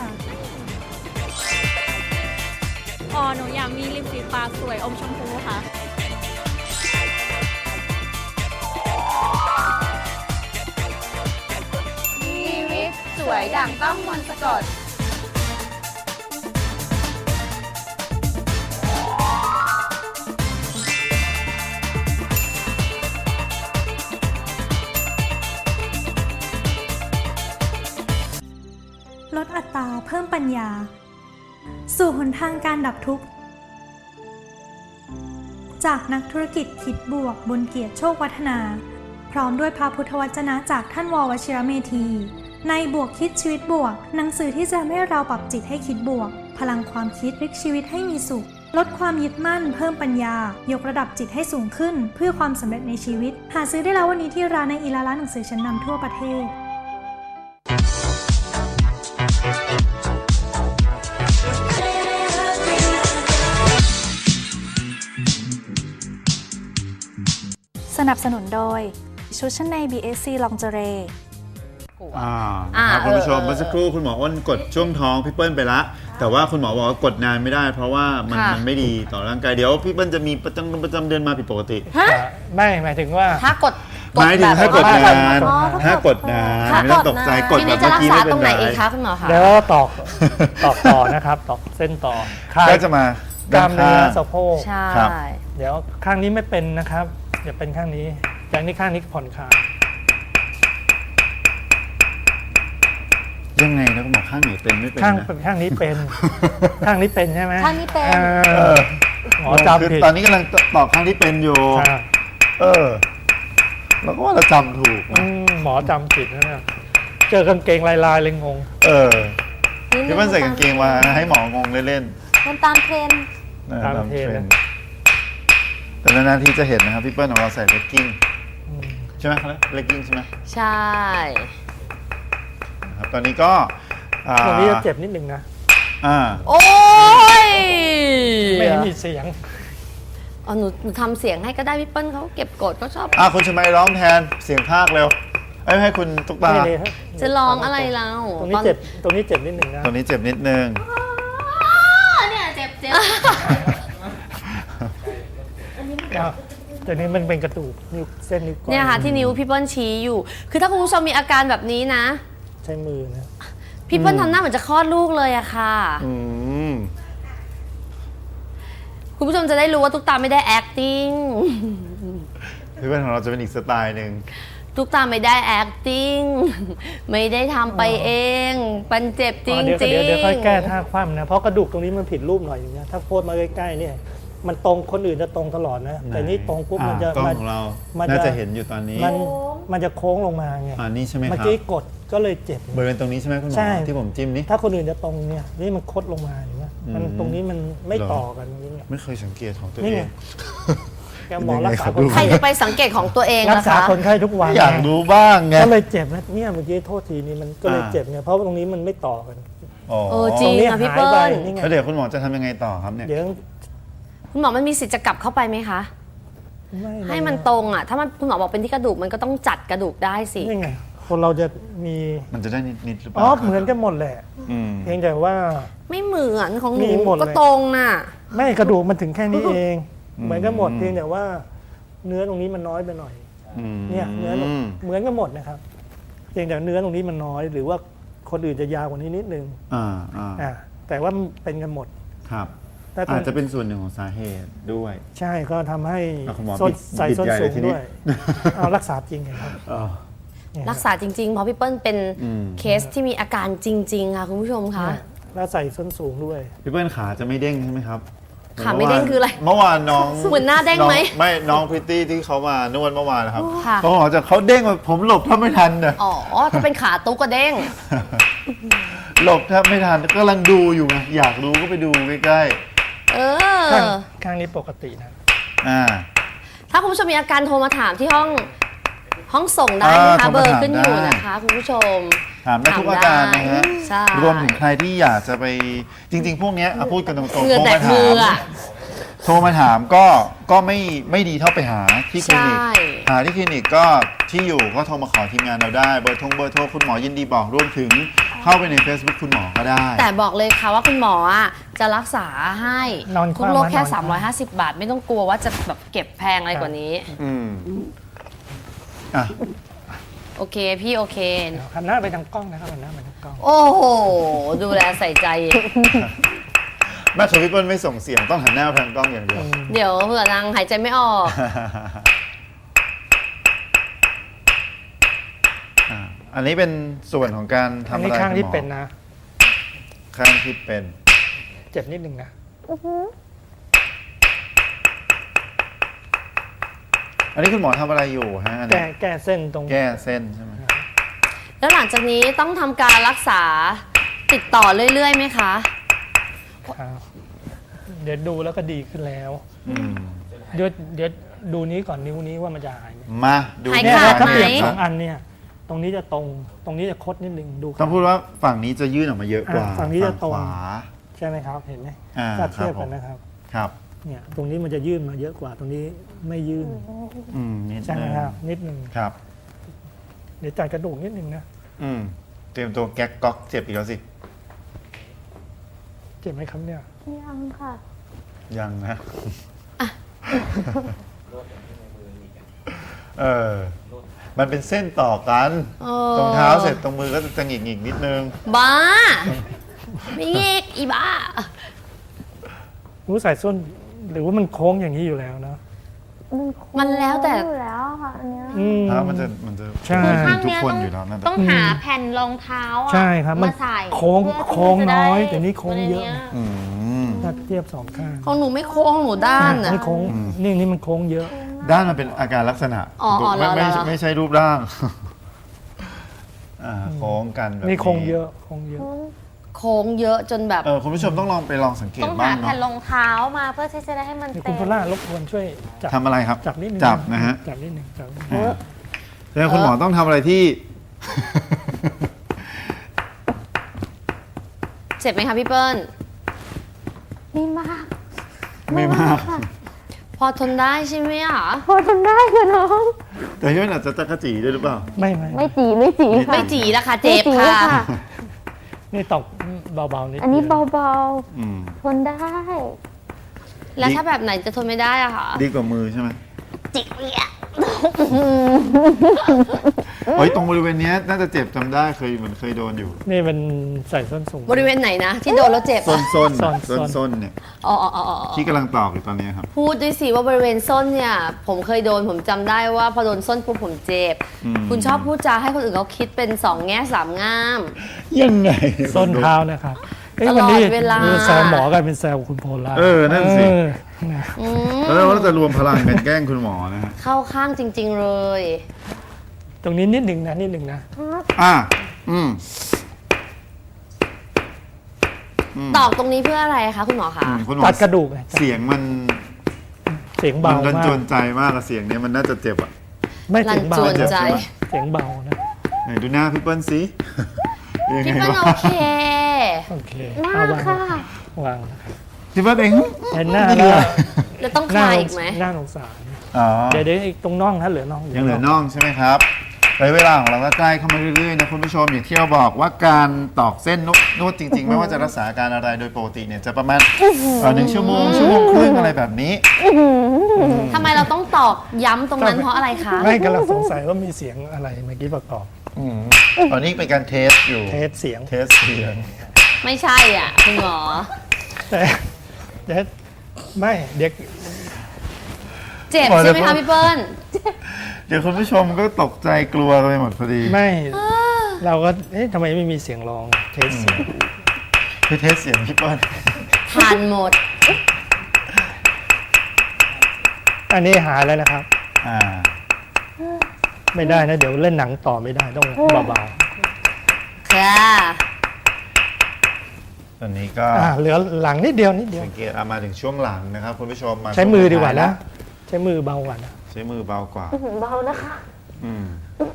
[SPEAKER 7] อ๋อหนูอยากมีริมฝีปากสวยอมชมพูค่ะชีวิตสวยดั่งต้องมนต์สะกด
[SPEAKER 8] ลดอัตราเพิ่มปัญญา สู่หนทางการดับทุกข์ จากนักธุรกิจคิดบวกบุญเกียรติโชควัฒนา พร้อมด้วยพระพุทธวจนะจากท่านววชิรเมธี ในบวกคิดชีวิตบวก หนังสือที่จะทำให้เราปรับจิตให้คิดบวก พลังความคิดพลิกชีวิตให้มีสุข ลดความยึดมั่นเพิ่มปัญญายกระดับจิตให้สูงขึ้น เพื่อความสำเร็จในชีวิต หาซื้อได้แล้ววันนี้ที่ร้านในอีลาร้านหนังสือชั้นนำทั่วประเทศ สนับสนุนโดยชุดชั้นใน บี เอส ซี Lingerie
[SPEAKER 1] อ่า
[SPEAKER 3] อ่า
[SPEAKER 1] นะครับคุณผู้ชม
[SPEAKER 3] เออ
[SPEAKER 1] เมื่อสักครู่คุณหมออ้นกดช่วงท้องพี่เปิ้ลไปละแต่ว่าคุณหมอบอกว่ากดนานไม่ได้ เพราะว่ามัน
[SPEAKER 3] ค่ะ
[SPEAKER 1] มันไม่ดีต่อร่างกายเดี๋ยวพี่เปิ้ลจะมีประจำประจำเดือนมาผิดปกติ
[SPEAKER 3] ฮะ
[SPEAKER 4] ไม่หมายถึงว่า
[SPEAKER 3] ถ้ากด
[SPEAKER 1] หมายถึงถ้ากดนาน
[SPEAKER 3] อ๋อ
[SPEAKER 1] ถ้ากดนาน
[SPEAKER 3] ค่ะ
[SPEAKER 1] ไม่ต้องตกใจกด
[SPEAKER 3] ที
[SPEAKER 1] แบ
[SPEAKER 3] นี้
[SPEAKER 1] บ
[SPEAKER 3] จะ
[SPEAKER 1] เมื่อ
[SPEAKER 3] รัก
[SPEAKER 1] กี้
[SPEAKER 3] ษา
[SPEAKER 1] ไม่เป็นไร
[SPEAKER 3] ตรงไหนอีกคะคุณหมอคะ
[SPEAKER 4] แล้วตอกตอกต่อนะครับตอกเส้นต่อคลาย
[SPEAKER 1] ก็จะมาก
[SPEAKER 4] ล้ามเนื้อ
[SPEAKER 1] ด้านข้าง
[SPEAKER 4] สะโพก
[SPEAKER 3] ใช่
[SPEAKER 1] ครับ
[SPEAKER 4] เดี๋ยวข้างนี้ไม่เป็นนะครับเดี๋ยวเป็นข้างนี้จากนี้ข้างนี้ผ่อนคลาย
[SPEAKER 1] ยังไงนะคุณหมอข้างไหนเป็นไม่เป็น
[SPEAKER 4] ข้าง
[SPEAKER 1] นะ
[SPEAKER 4] ข้างนี้เป็น ข้างนี้เป็นใช่ไหม
[SPEAKER 3] ข้างนี้เป็น
[SPEAKER 4] เอ
[SPEAKER 1] เอ
[SPEAKER 4] อ
[SPEAKER 1] อ
[SPEAKER 4] หมอจำผิด
[SPEAKER 1] คือตอนนี้กำลังตอบข้างที่เป็นอยู่
[SPEAKER 4] อ่า
[SPEAKER 1] เออเราก็ว่าเราจำถูก
[SPEAKER 4] อื
[SPEAKER 1] นะ
[SPEAKER 4] มหมอจำผิดนะเนี่ยเจอกางเกงลายๆเลยงง
[SPEAKER 1] เออพี่เปิ้ลใส่กางเกงมาให้หมองงเล่น
[SPEAKER 3] มันตามเทรนด์
[SPEAKER 1] ๆนะ
[SPEAKER 4] ตาม
[SPEAKER 1] ตาม
[SPEAKER 4] เทร
[SPEAKER 1] เท
[SPEAKER 4] นด์
[SPEAKER 1] รนด์แต่นานๆที่จะเห็นนะครับพี่เปิ้ลของเราใส่เลกกิ้ง
[SPEAKER 4] อืม
[SPEAKER 1] ใช่ไหมครับเลกกิ้งใช่ไหม
[SPEAKER 3] ใช่
[SPEAKER 1] นะครับตอนนี้ก็อ่า
[SPEAKER 4] ตรงนี้จะเจ็บนิดนึงนะ
[SPEAKER 1] อ่า
[SPEAKER 3] โอ้ย
[SPEAKER 4] ไม่มีเสียง
[SPEAKER 3] อ๋อหนูหนูทำเสียงให้ก็ได้พี่เปิ้ลเขาเก็บกดเขาชอบ
[SPEAKER 1] อ่าคุณชมัยร้องแทนเสียงภาคเร็วเอ้ยให้คุณตุ๊กตา
[SPEAKER 4] นี่ๆ
[SPEAKER 3] จะร้องอะไรเรา
[SPEAKER 4] ตรงนี้เจ็บตรงนี้เจ็บนิดนึงนะ
[SPEAKER 1] ตรงนี้เจ็บนิดนึง
[SPEAKER 2] เนี่ยเจ็บเจ็บ
[SPEAKER 4] อ้าวแต่นี้มันเป็นกระดูกนิ้วเส้นนิ้วก้อย
[SPEAKER 3] เนี่ยค่ะที่นิ้วพี่เปิ้ลชี้อยู่ คือถ้าคุณผู้ชมมีอาการแบบนี้นะ
[SPEAKER 4] ใช้มือนะ
[SPEAKER 3] พี่เปิ้ลทำหน้าเหมือนจะคลอดลูกเลยอะค่ะ
[SPEAKER 1] อืม
[SPEAKER 3] คุณผู้ชมจะได้รู้ว่าตุ๊กตาไม่ได้ acting
[SPEAKER 1] พี่เปิ้ลของเราจะเป็นอีกสไตล์หนึ่ง
[SPEAKER 3] ตุ๊กตาไม่ได้ acting ไม่ได้ทำไปเองมันเจ็บจริ
[SPEAKER 4] อ๋
[SPEAKER 3] ง
[SPEAKER 4] อเดี๋ยว
[SPEAKER 3] จริง
[SPEAKER 4] เดี๋ยวเดี๋ยวค่อยแก้ท่าคว่ำนะ เพราะกระดูกตรงนี้มันผิดรูปหน่อยนึงนะ ถ้าโพสมาใกล้ๆเนี่ยมันตรงคนอื่นจะตรงตลอดนะ แต่นี่ตรงปุ๊บมันจะ
[SPEAKER 1] กล้อง
[SPEAKER 4] มัน
[SPEAKER 1] ของเรา
[SPEAKER 4] มัน
[SPEAKER 1] น่า
[SPEAKER 4] จะ
[SPEAKER 1] จะเห็นอยู่ตอนนี้
[SPEAKER 4] มันมันจะโค้งลงมาไง
[SPEAKER 1] อ่านี่ใช่ไหมค
[SPEAKER 4] เมื่อ
[SPEAKER 1] รับ
[SPEAKER 4] กี้กดก็เลยเจ็บบ
[SPEAKER 1] ริเวณตรงนี้ใช่ไหมคุณหม
[SPEAKER 4] ใช่
[SPEAKER 1] อที่ผมจิ้มนี่
[SPEAKER 4] ถ้าคนอื่นจะตรงเนี่ยนี่มันคดลงมาเห็นไหมมัน
[SPEAKER 1] อืม
[SPEAKER 4] ตรงนี้มันไม่
[SPEAKER 1] เหรอ
[SPEAKER 4] ต่อกันตรงนี้เนี่ย
[SPEAKER 1] ไม่เคยสังเกตของตัว
[SPEAKER 4] นี่
[SPEAKER 1] เอ
[SPEAKER 4] ไง
[SPEAKER 1] ง
[SPEAKER 4] แกหมอรักษา
[SPEAKER 1] เป็นยังไงครับ
[SPEAKER 4] คน
[SPEAKER 3] ใคร
[SPEAKER 4] ไข้
[SPEAKER 3] จะไปสังเกตของตัวเอง
[SPEAKER 4] รัก
[SPEAKER 3] นะ
[SPEAKER 4] ษา
[SPEAKER 3] คะ
[SPEAKER 4] คนไข้ทุกวัน
[SPEAKER 1] อยากรู้บ้างไง
[SPEAKER 4] ก็เลยเจ็บนะเนี่ยเมื่อกี้โทษทีนี่มันก็เลย
[SPEAKER 1] อ่า
[SPEAKER 4] เจ็บไงเพราะว่าตรงนี้มันไม่ต่อกัน
[SPEAKER 1] อ๋อ
[SPEAKER 3] เออจริง
[SPEAKER 4] ตนี้
[SPEAKER 3] ค่ะพี่
[SPEAKER 4] หาย
[SPEAKER 3] เปิ้
[SPEAKER 4] ไป
[SPEAKER 3] ล
[SPEAKER 4] นี่ไง
[SPEAKER 1] แล้วเดี๋ยวคุณหมอจะทำยังไงต่อครับเนี่ย
[SPEAKER 4] เดี๋ยว
[SPEAKER 3] คุณหมอมันมีสิทธิ์จะกลับเข้าไปไหมคะ
[SPEAKER 4] ไม่
[SPEAKER 3] ให้มันตรงอ่ะ ถ้ามันคุณหมอบอกเป็นที่กระดูกมันก็ต้องจัดกระดูกได้สิ
[SPEAKER 4] นี่ไงคนเราจะมี
[SPEAKER 1] มันจะได้นิดๆหรือเป
[SPEAKER 4] อ๋
[SPEAKER 1] ล่า
[SPEAKER 4] อเหมือนกันหมดแหละ
[SPEAKER 1] อืม
[SPEAKER 4] เพียงแต่ว่า
[SPEAKER 3] ไม่เหมือนของหนู
[SPEAKER 4] มีหมดเลย
[SPEAKER 3] ก็ตรงน่ะ
[SPEAKER 4] ไม่กระดูกมันถึงแค่นี้เอง
[SPEAKER 1] อืม
[SPEAKER 4] เหมือนกันหมดเพียงแต่ว่า เนื้อตรงนี้มันน้อยไปหน่อย
[SPEAKER 1] อืม
[SPEAKER 4] เนี่ยเนื้อเหมือนกันหมดนะครับเพียงแต่เนื้อตรงนี้มันน้อย หรือว่าคนอื่นจะยาวกว่านี้นิดนึง
[SPEAKER 1] อ่าอ่า
[SPEAKER 4] อ่าแต่ว่ามันเป็นกันหมด
[SPEAKER 1] ครับ
[SPEAKER 4] แต่ตร
[SPEAKER 1] อาง จจะเป็นส่วนหนึ่งของสาเหตุด้วย
[SPEAKER 4] ใช่ก็ทำให้
[SPEAKER 1] อ่ะคุณหมอ
[SPEAKER 4] ส้น
[SPEAKER 1] บิด
[SPEAKER 4] ใส่
[SPEAKER 1] บิด
[SPEAKER 4] ส้น
[SPEAKER 1] ใหญ่
[SPEAKER 4] สู
[SPEAKER 1] เลย
[SPEAKER 4] ง
[SPEAKER 1] ทีนี้
[SPEAKER 4] ด้วยเอารักษาจริงไงครับ
[SPEAKER 1] อ๋อ
[SPEAKER 4] เนี่ย
[SPEAKER 3] รักษาจริงๆ เพราะพี่เปิ้ลเป็น
[SPEAKER 1] อืม
[SPEAKER 3] เคสที่มีอาการจริง ๆ ค่ะคุณผู้ชมคะ
[SPEAKER 4] เนี่ยแล้วใส่ส้นสูงด้วย
[SPEAKER 1] พี่เปิ้ลขาจะไม่เด้งใช่ไหมครับ
[SPEAKER 3] ขาไม่เด้งคืออะไร
[SPEAKER 1] เมื่อวานน้อง
[SPEAKER 3] เหมือนหน้าเด้งไหม
[SPEAKER 1] น้อไม่น้องพริตตี้ที่เขามานวดเมื่อวานนะครับ
[SPEAKER 3] ค่ะ
[SPEAKER 1] เขาบอกจะเขาเด้งแบบผมหลบแทบไม่ทันน่ะ
[SPEAKER 3] อ๋อ ถ้าเป็นขาตุ๊กก็เด้ง
[SPEAKER 1] หลบแทบไม่ทันกำลังดูอยู่ไงอยากรู้ก็ไปดูใกล้
[SPEAKER 3] เอ
[SPEAKER 4] ข้าง
[SPEAKER 3] อ
[SPEAKER 4] ข้างนี้ปกตินะ
[SPEAKER 1] ๆอ่า
[SPEAKER 3] ถ้าคุณผู้ชมมีอาการโทรมาถามที่ห้องห้องส่งได้
[SPEAKER 1] อ่า
[SPEAKER 3] นะคะ
[SPEAKER 1] โทรมา
[SPEAKER 3] เบอร์
[SPEAKER 1] ถาม
[SPEAKER 3] ขึ้นอยู่
[SPEAKER 1] ได้
[SPEAKER 3] นะคะคุณผู้ชม
[SPEAKER 1] ถามได้ทุกอาการนะฮะ
[SPEAKER 3] ใช่
[SPEAKER 1] รวมถึงใครที่อยากจะไปจริง ๆ พวกเนี้ยอ่ะพูดกันตรงๆ
[SPEAKER 3] เหงื่อ
[SPEAKER 1] โทร
[SPEAKER 3] แต
[SPEAKER 1] มาก
[SPEAKER 3] มื
[SPEAKER 1] ถา
[SPEAKER 3] อ
[SPEAKER 1] ม
[SPEAKER 3] อ่ะ
[SPEAKER 1] โทรมาถามก็ก็ไม่ไม่ดีเท่าไปหาที่คลินิก
[SPEAKER 3] ใช่
[SPEAKER 1] หาที่คลินิกก็ที่อยู่ก็โทรมาขอทีมงานเราได้เบอร์ทงเบอร์โทรคุณหมอยินดีบอกรวมถึงเข้าไปใน Facebook คุณหมอก็ได้
[SPEAKER 3] แต่บอกเลยค่ะว่าคุณหมออ่ะจะรักษาให้
[SPEAKER 4] นอน
[SPEAKER 3] ทุกโรคแค่
[SPEAKER 4] นอน
[SPEAKER 3] สามร้อยห้าสิบบาท ไม่ต้องกลัวว่าจะแบบเก็บแพงอะไรกว่านี้
[SPEAKER 1] อืมอ่ะ
[SPEAKER 3] โอเคพี่โอเค
[SPEAKER 4] หันหน้าไปทางกล้องนะครับหันหน้าไปทางกล้อง
[SPEAKER 3] โอ้โห ดูแลใส่ใจ
[SPEAKER 1] แม่ทวิปเปิลไม่ส่งเสียงต้องหันหน้าไปทางกล้องอย่างเดียว
[SPEAKER 3] เดี๋ยวเผื่อนางหายใจไม่ออก
[SPEAKER 1] อ่ะอันนี้เป็นส่วนของการทำ
[SPEAKER 4] อัน
[SPEAKER 1] อะไร
[SPEAKER 4] นี้ข้างที่
[SPEAKER 1] คุณหมอ
[SPEAKER 4] เป็นนะ
[SPEAKER 1] ข้างที่เป็น
[SPEAKER 4] เจ็บนิดนึงนะ
[SPEAKER 1] อันนี้คุณหมอทำอะไรอยู่ฮะอัน
[SPEAKER 4] แก้
[SPEAKER 1] นี้
[SPEAKER 4] แก้เส้นตรง
[SPEAKER 1] แก้เส้นใช่ไหม
[SPEAKER 3] แล้วหลังจากนี้ต้องทำการรักษาติดต่อเรื่อยๆไหมคะ
[SPEAKER 4] ครับเดี๋ยวดูแล้วก็ดีขึ้นแล้ว
[SPEAKER 1] อืม
[SPEAKER 4] เดี๋ยวเดี๋ยวดูนี้ก่อนนิ้วนี้ว่ามันจะหายไหม
[SPEAKER 1] มาดู
[SPEAKER 3] หาย
[SPEAKER 4] เนี่ย
[SPEAKER 3] ขาด
[SPEAKER 4] ถ้า
[SPEAKER 3] ไหม
[SPEAKER 4] เปลี่ยนสองอันเนี่ย ตรงนี้จะตรง ตรงนี้จะคดนิดนึงดู
[SPEAKER 1] ต้องพูดว่าฝั่งนี้จะยื่นออกมาเยอะกว่า
[SPEAKER 4] อ่ะฝั่งนี้จะตรง
[SPEAKER 1] ขวา
[SPEAKER 4] ใช่ไหมครับ เห็นไหม
[SPEAKER 1] อ่า
[SPEAKER 4] ถ้าเทียบ
[SPEAKER 1] ครับผม
[SPEAKER 4] กันนะครับ
[SPEAKER 1] ครับ
[SPEAKER 4] เนี่ย ตรงนี้มันจะยื่นมาเยอะกว่า ตรงนี้ไม่ยื่น
[SPEAKER 1] อืมนิด
[SPEAKER 4] ใช่ไหม
[SPEAKER 1] นึง
[SPEAKER 4] ครับ นิดนึง
[SPEAKER 1] ครับ
[SPEAKER 4] เดี๋ยวจัดกระดูกนิดนึงนะ
[SPEAKER 1] อืมเตรียมตัวแก๊กก๊อกเจ็บอีกแล้วสิ
[SPEAKER 4] เจ็บไหมครับเนี่ย
[SPEAKER 7] ยังค่ะ
[SPEAKER 1] ยังนะ เออ มันเป็นเส้นต่อกัน
[SPEAKER 3] เออ
[SPEAKER 1] ตรงเท้าเสร็จตรงมือก็จะหงิกหงิกๆนิดนึง
[SPEAKER 3] บ้า ไม่เงกอีบ้า
[SPEAKER 4] รู้ใส่ส้น หรือว่ามันโค้งอย่างนี้อยู่แล้วนะ
[SPEAKER 3] มันแล้วแต่
[SPEAKER 7] อยู่แล้วค่ะอันเนี้ย
[SPEAKER 4] อืม
[SPEAKER 1] เท้ามันจะมันจะ
[SPEAKER 4] ใช่
[SPEAKER 2] คือข้าง
[SPEAKER 1] ทุก
[SPEAKER 2] เนี้ย
[SPEAKER 1] คน
[SPEAKER 2] ต้อง
[SPEAKER 1] อยู่แล้วนั่น
[SPEAKER 2] ต้องหาแผ่นรองเท้าอะ
[SPEAKER 4] ใช่ครับมัน
[SPEAKER 2] มาใส่
[SPEAKER 4] โค้ง
[SPEAKER 2] เพื่อที่
[SPEAKER 4] โค้ง
[SPEAKER 2] จะได้
[SPEAKER 4] น้อยแต่นี่โค้งเยอะ
[SPEAKER 2] ตัวนี้
[SPEAKER 1] อืม
[SPEAKER 4] ถ้าเทียบสองข้าง
[SPEAKER 3] ของหนูไม่โค้งหนูด้านอ่ะ
[SPEAKER 4] นี่โค้ง
[SPEAKER 1] อืม
[SPEAKER 4] นี่นี่มันโค้งเยอะ
[SPEAKER 1] ด้านมันเป็นอาการลักษณะ
[SPEAKER 3] อ๋ออ๋อ
[SPEAKER 1] ไม่ไม่
[SPEAKER 3] เหรอ
[SPEAKER 1] ไม่ใช่รูปร่าง อ่าโค้งกันแบบ
[SPEAKER 4] นี่โค้งเยอะโค้งเยอะ
[SPEAKER 3] โค้งเยอะจนแบบ
[SPEAKER 1] เออคุณผู้ชมต้องลองไปลองสังเกต
[SPEAKER 2] ต้อง
[SPEAKER 1] บ้า
[SPEAKER 2] หาง แผ่น
[SPEAKER 1] เนาะ
[SPEAKER 2] รองเท้ามาเพื่อที่จะได้ให้มัน
[SPEAKER 4] นี่คุ
[SPEAKER 2] เต็
[SPEAKER 4] ณ
[SPEAKER 2] ม
[SPEAKER 4] พล่ารบกวนช่วยจับ
[SPEAKER 1] ทำอะไรครับ
[SPEAKER 4] จับนิดนึง
[SPEAKER 1] จับนะฮะ
[SPEAKER 4] จับนิดนึงจับนิดนึง
[SPEAKER 1] อ่าแล้วคุณหมอต้องทำอะไรที่
[SPEAKER 3] เจ็บไหมคะพี่เปิ้ล
[SPEAKER 7] ดีมาก
[SPEAKER 1] ไม่มาก
[SPEAKER 3] พอทนได้ใช่ไหมอ่ะ
[SPEAKER 7] พอทำได้ค่ะน้อง
[SPEAKER 1] แต่ที่มันอาจจะตะกะจีด้วยหรือเปล่า
[SPEAKER 4] ไม่ไม่
[SPEAKER 7] ไม่จีไม่จีค่ะ
[SPEAKER 3] ไม่จีละค่ะเจ็บ
[SPEAKER 7] ไม่จี
[SPEAKER 3] ค่ะ
[SPEAKER 4] นี่ตกเบาๆนิด
[SPEAKER 7] อันนี้
[SPEAKER 4] ดียว
[SPEAKER 7] เบา
[SPEAKER 1] อืม
[SPEAKER 7] ๆ ทนได้
[SPEAKER 3] แล้วถ้าแบบไหนจะทนไม่ได้อะคะ
[SPEAKER 1] ดีกว่ามือใช่ไหม
[SPEAKER 3] จิกเนี่ย
[SPEAKER 1] โอ้ยตรงบริเวณเนี้ยน่าจะเจ็บจำได้เคยเหมือนเคยโดนอยู่
[SPEAKER 4] นี่เป็นใส่ส้นสูง
[SPEAKER 3] บริเวณไหนนะ ที่โดนแล้วเจ็บ
[SPEAKER 1] ส้
[SPEAKER 3] อะ
[SPEAKER 1] นส้น
[SPEAKER 4] ส้น
[SPEAKER 1] ส้น
[SPEAKER 4] ส้น
[SPEAKER 1] ส้นเนี่ย
[SPEAKER 3] อ๋ออ๋ออ๋ออ๋อ
[SPEAKER 1] ที่กำลังตอกอยู่ตอนนี้ครับ
[SPEAKER 3] พูดด้วยสิว่าบริเวณส้นเนี่ย ผมเคยโดนผมจำได้ว่าพอโดนส้นปุ๊บผมเจ็บ
[SPEAKER 1] อืม
[SPEAKER 3] คุณชอบพูดจาให้คนอื่นเขาคิดเป็นสองแง่สามง่าม
[SPEAKER 1] ยังไง
[SPEAKER 4] ส้นเท้านะครับเอ้ย
[SPEAKER 3] ตล
[SPEAKER 4] วัน
[SPEAKER 3] อ
[SPEAKER 4] นี้
[SPEAKER 3] ดเวลา
[SPEAKER 4] เออแซวหมอกันเป็นแซวคุณโพล่า
[SPEAKER 1] เออนั่นสิ
[SPEAKER 4] เออนะ
[SPEAKER 3] อืม
[SPEAKER 1] แล้วเราจะรวมพลังกันแกล้งคุณหมอนะฮะ
[SPEAKER 3] เข้าข้างจริง ๆ เลย
[SPEAKER 4] ตรงนี้นิดหนึ่งนะนิดหนึ่งนะ
[SPEAKER 1] อ่ะอืม
[SPEAKER 3] ตอกตรงนี้เพื่ออะไรคะคุณหมอคะ
[SPEAKER 1] อืมคุณหมอ
[SPEAKER 4] ตัดกระดูกไง
[SPEAKER 1] เสียงมัน
[SPEAKER 4] เสียง
[SPEAKER 1] มั
[SPEAKER 4] เบาน
[SPEAKER 1] รัน
[SPEAKER 4] มา
[SPEAKER 1] จ
[SPEAKER 4] ก
[SPEAKER 1] วนใจมากอะเสียงเนี้ยมันน่าจะเจ็บอ่ะ
[SPEAKER 4] ไม่เสียงเบา
[SPEAKER 3] รันจวนใจ
[SPEAKER 4] เสียงเบานะ
[SPEAKER 1] ไหนดูหน้าพี่เปิ้ลสิยังไง
[SPEAKER 3] พี่เปิ้ล
[SPEAKER 1] วะ
[SPEAKER 3] โอเค
[SPEAKER 4] โอเค
[SPEAKER 3] มา
[SPEAKER 4] เอาวาง
[SPEAKER 3] ค่ะ
[SPEAKER 4] วางนะครับ
[SPEAKER 1] พี่เปิ้ลเอง
[SPEAKER 4] เห็นหน้า
[SPEAKER 1] ไม่
[SPEAKER 4] แล้
[SPEAKER 1] เห
[SPEAKER 4] ว
[SPEAKER 1] ลือ
[SPEAKER 3] แล้วต้องค
[SPEAKER 4] หน้า
[SPEAKER 3] ลายอีกไหม
[SPEAKER 4] หน้าสงสาร
[SPEAKER 1] อ๋อ
[SPEAKER 4] เดี๋ยวเดี๋ยวอีกตรงน่องนะเหลือน่อง
[SPEAKER 1] ยังเหลือน่องใช่ไหมครับระยะเวลาของเราก็ใกล้เข้ามาเรื่อยๆนะคุณผู้ชมอย่างที่เราบอกว่าการตอกเส้นนวดนวดจริง ๆ ไม่ว่าจะรักษาอาการอะไรโดยปกติเนี่ยจะประมาณเอ่อหนึ่งชั่วโมงชั่วโมงครึ่งอะไรแบบนี้
[SPEAKER 3] ทำไมเราต้องตอกย้ำตรงนั้นเพราะอะไรคะ
[SPEAKER 4] ไม่กำลังสงสัยว่ามีเสียงอะไรเมื่อกี้ประกอบ
[SPEAKER 1] ตอนนี้เป็นการเทสอยู่
[SPEAKER 4] เทสเสียง
[SPEAKER 1] เทสเสียง
[SPEAKER 3] ไม่ใช่อ่ะคุณหมอ
[SPEAKER 4] แต่เดี๋ยวไม่เด็ก
[SPEAKER 3] เจ็บใช่ไหมคะพี่เปิ้ล
[SPEAKER 1] เดี๋ยวคุณผู้ชมก็ตกใจกลัวกันไปหมดพอดี
[SPEAKER 4] ไม่เราก็เอ๊ะทำไมไม่มีเสียงร้องเทสเสียง
[SPEAKER 1] คือเทสเสียงพี่เปิ้ล
[SPEAKER 3] ทานหมด
[SPEAKER 4] อันนี้หายแล้วนะครับ
[SPEAKER 1] อ่า
[SPEAKER 4] ไม่ได้นะ เดี๋ยวเล่นหนังต่อไม่ได้ต้องเบา
[SPEAKER 3] ค่ะ
[SPEAKER 1] ตอนนี้ก็
[SPEAKER 4] ๆอ่าเหลือหลังนิดเดียวนิดเดียว
[SPEAKER 1] สังเกตเอามาถึงช่วงหลังนะครับคุณผู้ชมมา
[SPEAKER 4] ใช้มือดีกว่า
[SPEAKER 1] ช่งท้
[SPEAKER 4] นะ
[SPEAKER 1] ย
[SPEAKER 4] ใช้มือเบากว่านะ
[SPEAKER 1] ใช้มือเบากว่า
[SPEAKER 3] เบานะคะ
[SPEAKER 1] อืม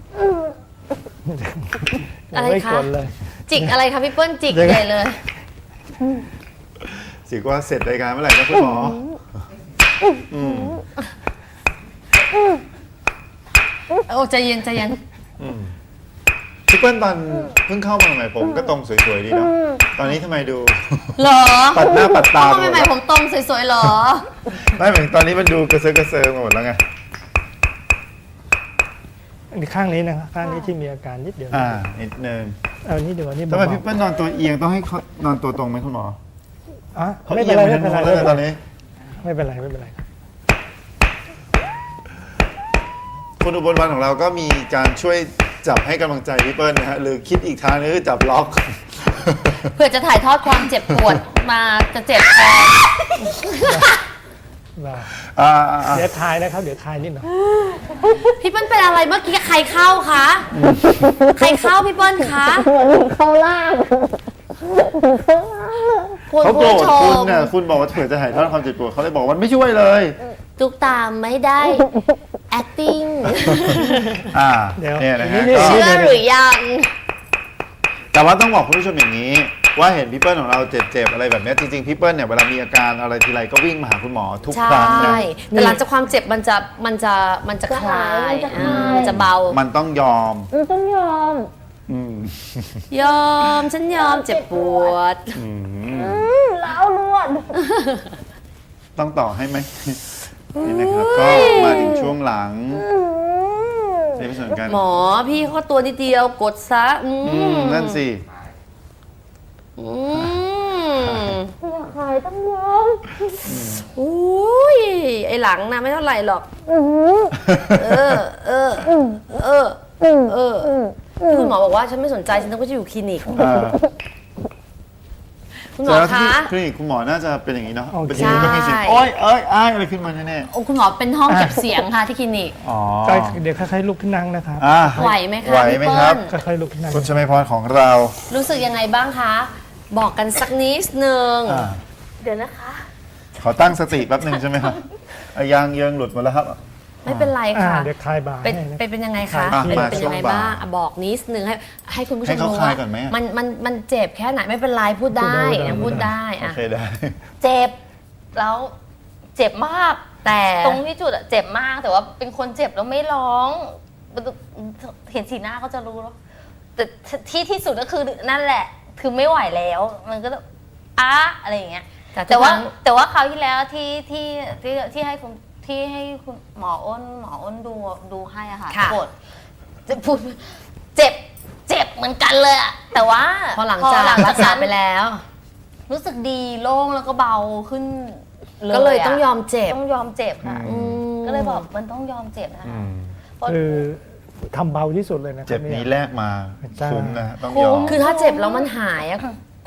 [SPEAKER 3] อะไร
[SPEAKER 4] ไม่
[SPEAKER 3] คะ
[SPEAKER 4] กดเลย
[SPEAKER 3] จิกอะไรคะพี่เปิ้ลจิก
[SPEAKER 4] เดี๋ยว
[SPEAKER 3] ใหญ่เลย
[SPEAKER 1] สิว่าเสร็จรายการเมื่อไหร่นะคุณหมออืม
[SPEAKER 3] โอ้ใจเย็นใจเย็น
[SPEAKER 1] อืมพี่เปิ้ลตอนเพิ่งเข้ามาใหม่ผมก็ตรงสวยๆดีเนาะตอนนี้ทำไมดู
[SPEAKER 3] เหรอ
[SPEAKER 1] ปัดหน้าปัดตา
[SPEAKER 3] ทำ
[SPEAKER 1] ไป
[SPEAKER 3] ไม
[SPEAKER 1] หมด
[SPEAKER 3] ใหม่
[SPEAKER 1] แล้ว
[SPEAKER 3] ผมตรงสวยๆเหรอ
[SPEAKER 1] ไม่เหมือนตอนนี้มันดูกระเซาะกระเซิงมาหมดแล้วไง
[SPEAKER 4] อันนี้ข้างนี้นะครับข้างนี้ที่มีอาการนิดเดียว
[SPEAKER 1] อ่านิดนึง
[SPEAKER 4] เอานี่เดี๋ยวนี่
[SPEAKER 1] ทำไม
[SPEAKER 4] เบา
[SPEAKER 1] พี่เปิ้ลนอนตัวเอียงต้องให้เขานอนตัวตรงไหมคุณหมอ
[SPEAKER 4] ๆอ่ะ
[SPEAKER 1] เขา
[SPEAKER 4] ไม่
[SPEAKER 1] เอี
[SPEAKER 4] เป็
[SPEAKER 1] ย
[SPEAKER 4] น
[SPEAKER 1] ง
[SPEAKER 4] ไร
[SPEAKER 1] ไป
[SPEAKER 4] ไม่
[SPEAKER 1] ทาง
[SPEAKER 4] เป็นไร
[SPEAKER 1] โน้นแล้วนะตอนนี้
[SPEAKER 4] ไม่เป็นไรไม่เป็นไร
[SPEAKER 1] คนอุบลวันของเราก็มีการช่วยจับให้กำลังใจพี่เปิ้ลนะฮะหรือคิดอีกทางนึงคือจับล็อก
[SPEAKER 3] เพื่อจะถ่ายทอดความเจ็บปวดมาจะเจ็บแทน
[SPEAKER 4] เบา
[SPEAKER 1] อ่าอ่าอ่า
[SPEAKER 4] เดี๋ยวทายนะครับเดี๋ยวทายนิดหน่อย
[SPEAKER 3] พี่เปิ้ลเป็นอะไรเมื่อกี้ใครเข้าคะใครเข้าพี่เปิ้ลคะเข้าล่างคุณ
[SPEAKER 1] เขาโกร
[SPEAKER 3] ผู้
[SPEAKER 1] ธ
[SPEAKER 3] ช
[SPEAKER 1] คุณ
[SPEAKER 3] ม
[SPEAKER 1] เนี่ยคุณบอกว่าเผื่อจะถ่ายทอดความเจ็บปวดเขาเลยบอกว่าไม่ช่วยเลย
[SPEAKER 3] ตุกตามไม่ได้ acting
[SPEAKER 1] อ่า
[SPEAKER 4] เดี๋ยว
[SPEAKER 1] เนี่ยนะฮะ
[SPEAKER 4] นี่
[SPEAKER 1] ก็
[SPEAKER 3] เชื่อหรือยัง
[SPEAKER 1] แต่ว่าต้องบอกคุณผู้ชมอย่างนี้ ว่าเห็นพี่เปิ้ลของเราเจ็บๆอะไรแบบเนี้ยจริงๆพี่เปิ้ลเนี่ยเวลามีอาการอะไรทีไรก็วิ่งมาหาคุณหมอทุก
[SPEAKER 3] ใช่
[SPEAKER 1] ครั้งนะ
[SPEAKER 3] แต่หลังจากความเจ็บมันจะมันจะมันจะคลายอ่ามันจะเบา
[SPEAKER 1] มันต้องยอม
[SPEAKER 3] ต้องยอม
[SPEAKER 1] อืม
[SPEAKER 3] ยอม ฉันยอมเจ็บปวด
[SPEAKER 1] อืม
[SPEAKER 3] แล้วนวด
[SPEAKER 1] ต้องต่อให้ไหมนี่นะครับก็มาถึงช่วงหลังในส่วนการ
[SPEAKER 3] หมอพี่เขาตัวนิดเดียวกดซะอื
[SPEAKER 1] อืม
[SPEAKER 3] ม
[SPEAKER 1] นั่นสิ
[SPEAKER 3] อืมใครต้องยอมอุ้ยไอหลังนะไม่เท่าไหร่หรอกเออเออเออเออที่คุณหมอบอกว่าฉันไม่สนใจฉันต้องไปอยู่คลินิก
[SPEAKER 1] อ่า
[SPEAKER 3] คุณหมอ
[SPEAKER 1] แต่ว่าที่
[SPEAKER 3] คะ
[SPEAKER 1] คลินิกคุณหมอน่าจะเป็นอย่างนี้เนาะ
[SPEAKER 4] โอเค
[SPEAKER 1] เป็นอย่างนี้ก็มีเสียงโอ้ยเอ้ยอ้ายอะไรขึ้นมาแน่
[SPEAKER 3] โอ้คุณหมอเป็นห้องเก็บเสียงค่ะที่คลินิก
[SPEAKER 1] ๆอ๋อ
[SPEAKER 4] ก็เดี๋ยวค่อยๆลุกขึ้นนั่งนะครับ
[SPEAKER 1] อ่า
[SPEAKER 3] ไหวไหมคะ
[SPEAKER 1] ไหว
[SPEAKER 3] พี่
[SPEAKER 1] ไหม
[SPEAKER 3] เปิ้
[SPEAKER 1] ครับ
[SPEAKER 3] ล
[SPEAKER 4] ค่อยๆลุกขึ้นนั่ง
[SPEAKER 1] คุณชมัยพรของเรา
[SPEAKER 3] รู้สึกยังไงบ้างคะ บอกกันสักนิดนึง
[SPEAKER 1] อ่า
[SPEAKER 3] เดี๋ยวนะคะ
[SPEAKER 1] ขอตั้งสติแป๊บหนึ่งใช่ไหมครับอ่ะยางเยิงหลุดหมาแล้วครับ
[SPEAKER 3] ไม่เป็นไร
[SPEAKER 4] อ่า
[SPEAKER 3] ค่ะ
[SPEAKER 4] เดี๋ยวคลายบ่า
[SPEAKER 3] เป็น
[SPEAKER 4] ให้นะ
[SPEAKER 3] เป็นเป็นยังไงคะ
[SPEAKER 1] อ่ะ
[SPEAKER 3] เป็น
[SPEAKER 1] มา
[SPEAKER 3] เป็น
[SPEAKER 1] ช่
[SPEAKER 3] ยั
[SPEAKER 1] ว
[SPEAKER 3] ง
[SPEAKER 1] ง
[SPEAKER 3] ไง
[SPEAKER 1] บ่าย
[SPEAKER 3] บ้างอ่ะบอกนิดนึงให้ให้คุณผู้ช
[SPEAKER 1] ให้
[SPEAKER 3] ม
[SPEAKER 1] เขา
[SPEAKER 3] รู้
[SPEAKER 1] คลา
[SPEAKER 3] ว่าย
[SPEAKER 1] ก่อนไหมอ่ะ
[SPEAKER 3] มันมันมันเจ็บแค่ไหนไม่เป็นไรพูดได้
[SPEAKER 4] พูดได้
[SPEAKER 3] ยังพูดได้
[SPEAKER 1] โอ
[SPEAKER 3] อ่ะ
[SPEAKER 1] เคได้
[SPEAKER 2] เจ็บแล้วเจ็บมาก
[SPEAKER 3] แต่
[SPEAKER 2] ตรงที่จุดอะเจ็บมากแต่ว่าเป็นคนเจ็บแล้วไม่ร้องเห็นสีหน้าก็จะรู้แล้วแต่ที่ที่สุดก็คือนั่นแหละ คือไม่ไหวแล้ว มันก็ต้องอ้าอะไรอย่างเงี้ย
[SPEAKER 3] แต่
[SPEAKER 2] แต่ว่า
[SPEAKER 3] ทุกครั้ง
[SPEAKER 2] แต่ว่าคราวที่แล้วที่ที่ที่ที่ให้คุณที่ให้คุณหมออ้นหมออ้นดูดูให้อะค่ะ
[SPEAKER 3] ค่ะ
[SPEAKER 2] ปวดจะพูดเจ็บเจ็บเหมือนกันเลยอะแต่ว่า
[SPEAKER 3] พอหลังจากรักษาไปแล้ว
[SPEAKER 2] รู้สึกดีโล่งแล้วก็เบาขึ้น
[SPEAKER 3] ก็เลย
[SPEAKER 2] ะ
[SPEAKER 3] ต้องยอมเจ็บ
[SPEAKER 2] ต้องยอมเจ็บค่ะ
[SPEAKER 1] อื
[SPEAKER 3] ม
[SPEAKER 2] ก็เลยบอกมันต้องยอมเจ็บนะ
[SPEAKER 1] อื
[SPEAKER 2] คะ
[SPEAKER 1] ม
[SPEAKER 2] เพราะ
[SPEAKER 4] คือทำเบาที่สุดเลยนะครั
[SPEAKER 1] เจ็บนี้แลกมา
[SPEAKER 4] ใช่
[SPEAKER 1] คุ้มนะฮะต้อง
[SPEAKER 2] คุ้
[SPEAKER 1] ยอ
[SPEAKER 2] ม
[SPEAKER 1] ม
[SPEAKER 3] คือถ้าเจ็บแล้วมันหายอะ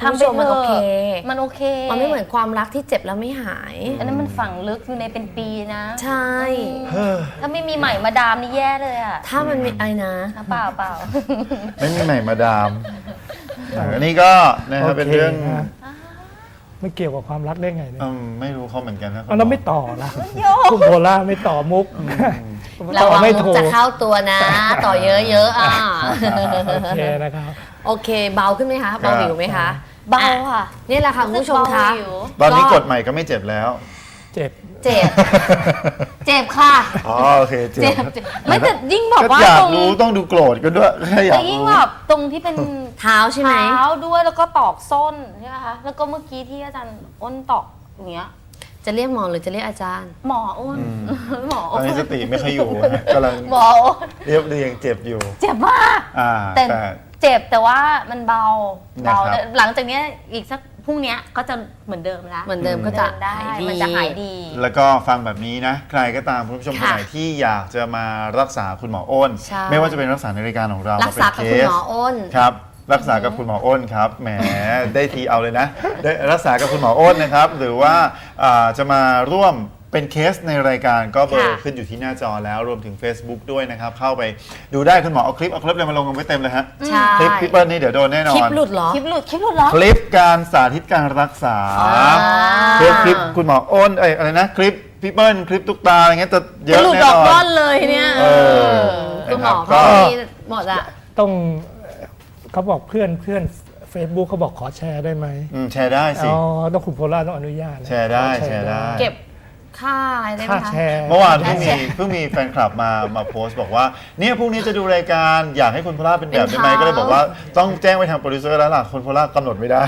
[SPEAKER 3] คุณผู้ชมมันโอเค
[SPEAKER 2] มันโอเค
[SPEAKER 3] มันไม่เหมือนความรักที่เจ็บแล้วไม่หาย
[SPEAKER 2] อันนั้นมันฝังลึกอยู่ในเป็นปีนะ
[SPEAKER 3] ใช่
[SPEAKER 2] ถ้าไม่มีใหม่มาดามนี่แย่เลยอะ
[SPEAKER 3] ถ้ามันมีอะไรนะ
[SPEAKER 2] เปล่าเปล่า
[SPEAKER 1] ไม่มีใหม่มาดามอันนี้ก็นะครับเป็นเรื่อง
[SPEAKER 4] โคนะไม่เกี่ยวกับความรักได้ไงเนี่ย
[SPEAKER 1] อืมไม่รู้เขาเหมือนกันนะ
[SPEAKER 4] เอาเราไม่ต่อละคุณโพล่าไม่ต่อมุก
[SPEAKER 3] ระ
[SPEAKER 4] ต่อ
[SPEAKER 3] วัง
[SPEAKER 4] ไม่
[SPEAKER 3] มุก
[SPEAKER 4] ถูก
[SPEAKER 3] จะเข้าตัวนะ ต่อเยอะๆอ่ะ
[SPEAKER 4] โอเคนะครับ
[SPEAKER 3] โอเค เบาขึ้นไหมคะ เบาหิวไหมคะ
[SPEAKER 2] เบาค่ะ
[SPEAKER 3] นี่แหละค่ะคุณผู้ชมคะ
[SPEAKER 2] เบาอยู่
[SPEAKER 1] ตอนนี้กดใหม่ก็ไม่เจ็บแล้ว
[SPEAKER 4] เจ็บ
[SPEAKER 2] เจ็บ เจ็บค่ะ
[SPEAKER 1] อ๋อโอเคเจ็
[SPEAKER 2] เจ็
[SPEAKER 1] บบ
[SPEAKER 2] เจ็บไม่แต่ยิ่งบอก
[SPEAKER 1] ก็
[SPEAKER 2] ว่า
[SPEAKER 1] อยา
[SPEAKER 2] ต
[SPEAKER 1] ก
[SPEAKER 2] รง
[SPEAKER 1] รู้ต้องดูโกรธกันด้วยแค่อยา
[SPEAKER 2] แต่
[SPEAKER 1] ก
[SPEAKER 2] ยิ่ง
[SPEAKER 1] รู้
[SPEAKER 2] แบบตรงที่เป็น
[SPEAKER 3] เท้าใช่ไหม
[SPEAKER 2] เท้าด้วยแล้วก็ตอกส้นใช่ไหมคะแล้วก็เมื่อกี้ที่อาจารย์อ้นตอกอย่างเงี้ย
[SPEAKER 3] จะเรียกหมอหรือจะเรียกอาจารย์
[SPEAKER 2] หมออ้นหมอ
[SPEAKER 1] ต
[SPEAKER 2] อ้
[SPEAKER 1] อน
[SPEAKER 2] น
[SPEAKER 1] นี้สติไม่ค่อยอยู่ฮะกำลัง
[SPEAKER 2] หมออ้น
[SPEAKER 1] เรียบเรียงเจ็บอยู่
[SPEAKER 2] เจ็บมาก
[SPEAKER 1] อ่า
[SPEAKER 2] แต่
[SPEAKER 1] แต่
[SPEAKER 2] เจ็บแต่ว่ามันเบาเบา
[SPEAKER 1] นะครับ
[SPEAKER 2] หลังจากเนี้ยอีกสักพรุ่งเนี้ยก็จะเหมือนเดิมแล้ว
[SPEAKER 3] เหมือนเดิมก็จะ
[SPEAKER 2] เดินได้
[SPEAKER 3] หายดี
[SPEAKER 2] มันจะหายดี
[SPEAKER 1] แล้วก็ฟังแบบนี้นะ ใครก็ตามคุณผู้ชมคน
[SPEAKER 3] ค่ะ
[SPEAKER 1] ไหนที่อยากจะมารักษาคุณหมออ้น
[SPEAKER 3] ใช่
[SPEAKER 1] ไม่ว่าจะเป็นรักษาในรายการของเรา
[SPEAKER 3] รักษากับคุณหมออ้น
[SPEAKER 1] ครับ รักษากับคุณหมออ้นครับแหมได้ทีเอาเลยนะได้รักษากับคุณหมออ้นนะครับ หรือว่าอ่าจะมาร่วมเป็นเคสในรายการก็เบอร์
[SPEAKER 3] ค่ะ
[SPEAKER 1] ขึ้นอยู่ที่หน้าจอแล้วรวมถึง Facebook ด้วยนะครับ เข้าไปดูได้คุณหมอเอาคลิปเอาคลิปเลยมาลงกันไว้เต็มเลยฮะ
[SPEAKER 3] ใช่
[SPEAKER 1] คลิปพี่เปิ้ลนี่เดี๋ยวโดนแน่นอน
[SPEAKER 3] คลิปหลุดเหรอ
[SPEAKER 2] คลิปหลุดคลิปหลุดเหรอ
[SPEAKER 1] คลิปการสาธิตการรักษา
[SPEAKER 3] อ่า
[SPEAKER 1] คลิปคลิปคุณหมออ้นเอ้ยอะไรนะคลิปพี่เปิ้ลคลิปตุ๊กตาอะไรเงี้ยจะเย
[SPEAKER 3] จะ
[SPEAKER 1] อะ
[SPEAKER 3] หลุด
[SPEAKER 1] แน่
[SPEAKER 3] ดอก
[SPEAKER 1] นอ
[SPEAKER 3] ร่อน นเลยเนี่ย
[SPEAKER 1] เออ
[SPEAKER 3] คุณหมอ
[SPEAKER 1] ก็
[SPEAKER 3] เขามีหมดอะ
[SPEAKER 4] ต้องเขาบอกเพื่อนเพื่อน Facebook เขาบอกขอแชร์ได้ไหม
[SPEAKER 1] อืมแชร์ได้สิ
[SPEAKER 4] อ๋อต้องคุณโพล่าต้องอนุญาตนะ
[SPEAKER 1] แชร์ได้
[SPEAKER 4] ขอ
[SPEAKER 1] แชร์ได้
[SPEAKER 3] เก็บค่าอะไรได้ไหม
[SPEAKER 4] ค่า
[SPEAKER 3] คะ
[SPEAKER 4] แชร์
[SPEAKER 1] เมื่อวานเพิ่งมีเพิ่งมีแฟนคลับมามาโพสต์บอกว่าเนี่ยพรุ่งนี้จะดูรายการอยากให้คุณโพล่าเป็นแบบได้ไหม
[SPEAKER 3] เป็นเขา
[SPEAKER 1] ก็เลยบอกว่าต้องแจ้งไปทางโปรดิวเซอร์แล้วล่ะคุณโพล่ากำหนดไม่ได้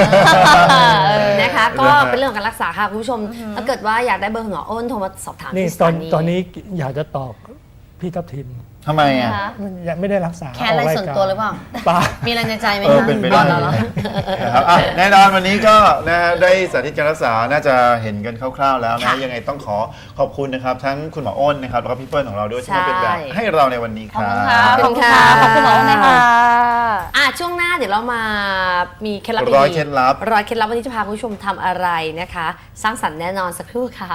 [SPEAKER 3] นะคะ ก็
[SPEAKER 1] นะฮะ
[SPEAKER 3] เป็นเรื่องของการรักษาค่ะคุณผู้ชม ถ้าเกิดว่าอยากได้เบอร์คุณหมออ้นโทรมาสอบถาม
[SPEAKER 4] นี่
[SPEAKER 3] ที่ส
[SPEAKER 4] ตอ
[SPEAKER 3] ถาน นี
[SPEAKER 4] ตอนนี้อยากจะตอบพี่ทัพทิม
[SPEAKER 1] ทำไมอ่ะ
[SPEAKER 2] นะคะ
[SPEAKER 4] ยังไม่ได้รักษา
[SPEAKER 3] แค่อะไร
[SPEAKER 4] กาย
[SPEAKER 3] ส่วน
[SPEAKER 4] กา
[SPEAKER 3] ตัวหรือเปล่า
[SPEAKER 4] เปล่า
[SPEAKER 3] มีอะไรในใจไหม
[SPEAKER 1] เออ
[SPEAKER 3] คะ
[SPEAKER 1] เป็นไปได้
[SPEAKER 3] อ๋อเหรอ
[SPEAKER 1] นะครับอ่ะแน่นอนวันนี้ก็นะฮะได้สาธิตการรักษาน่าจะเห็นกันคร่าวๆแล้วนะ
[SPEAKER 3] ค่ะ
[SPEAKER 1] ยังไงต้องขอขอบคุณนะครับ ทั้งคุณหมออ้นนะครับแล้วก็พี่เปิ้ลของเราด้วยที่มาเป็นแบบ
[SPEAKER 3] ใช่
[SPEAKER 1] ให้เราในวันนี้ค
[SPEAKER 2] ขอบ
[SPEAKER 1] รั
[SPEAKER 2] คุณค่ะ
[SPEAKER 1] บ
[SPEAKER 2] ขอบคุณค่ะขอบคุณหมออ้นนะคะ
[SPEAKER 3] อ่ะช่วงหน้าเดี๋ยวเรามามีเคล็ดลับ
[SPEAKER 1] ร้อย
[SPEAKER 3] ดีๆ
[SPEAKER 1] เคล็ดลับ
[SPEAKER 3] ร้อยเคล็ดลับวันนี้จะพาคุณผู้ชมทำอะไรนะคะ สร้างสรรค์แน่นอนสักครู่ค่ะ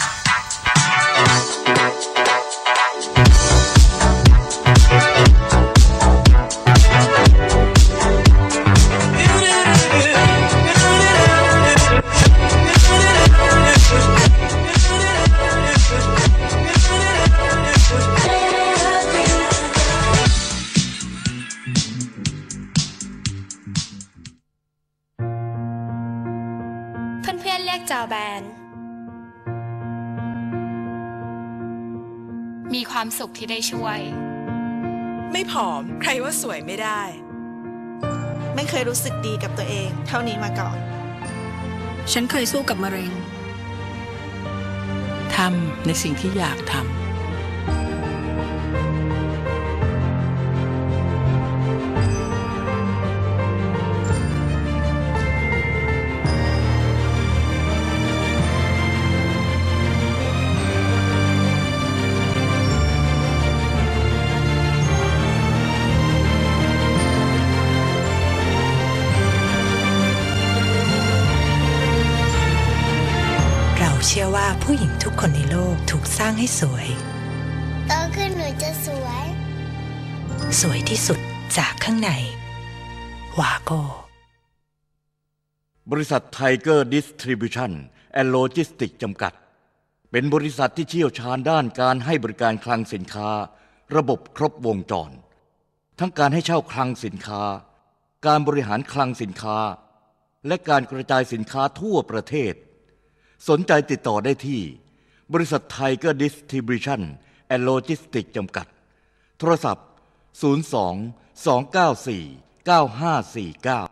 [SPEAKER 9] เพื่อนๆเรียกจอแบน มีความสุขที่ได้ช่วย
[SPEAKER 10] ไม่ผอมใครว่าสวยไม่ได้ ไม่เคยรู้สึกดีกับตัวเอง เท่านี้มาก่อน
[SPEAKER 11] ฉันเคยสู้กับมะเร็ง
[SPEAKER 10] ทำในสิ่งที่อยากทำ เราเชื่อว่าผู้หญิงทุกคนในโลกถูกสร้างให้สวย
[SPEAKER 12] โตขึ้นหนูจะสวย
[SPEAKER 10] สวยที่สุดจากข้างใน วาโก้
[SPEAKER 13] บริษัทไทเกอร์ดิสทริบิวชั่นแอนด์โลจิสติกจำกัด เป็นบริษัทที่เชี่ยวชาญด้านการให้บริการคลังสินค้า ระบบครบวงจร ทั้งการให้เช่าคลังสินค้า การบริหารคลังสินค้า และการกระจายสินค้าทั่วประเทศ สนใจติดต่อได้ที่ บริษัทไทเกอร์ดิสทริบิวชั่นแอนด์โลจิสติกจำกัด โทรศัพท์ ศูนย์ สอง สอง เก้า สี่ เก้า ห้า สี่ เก้า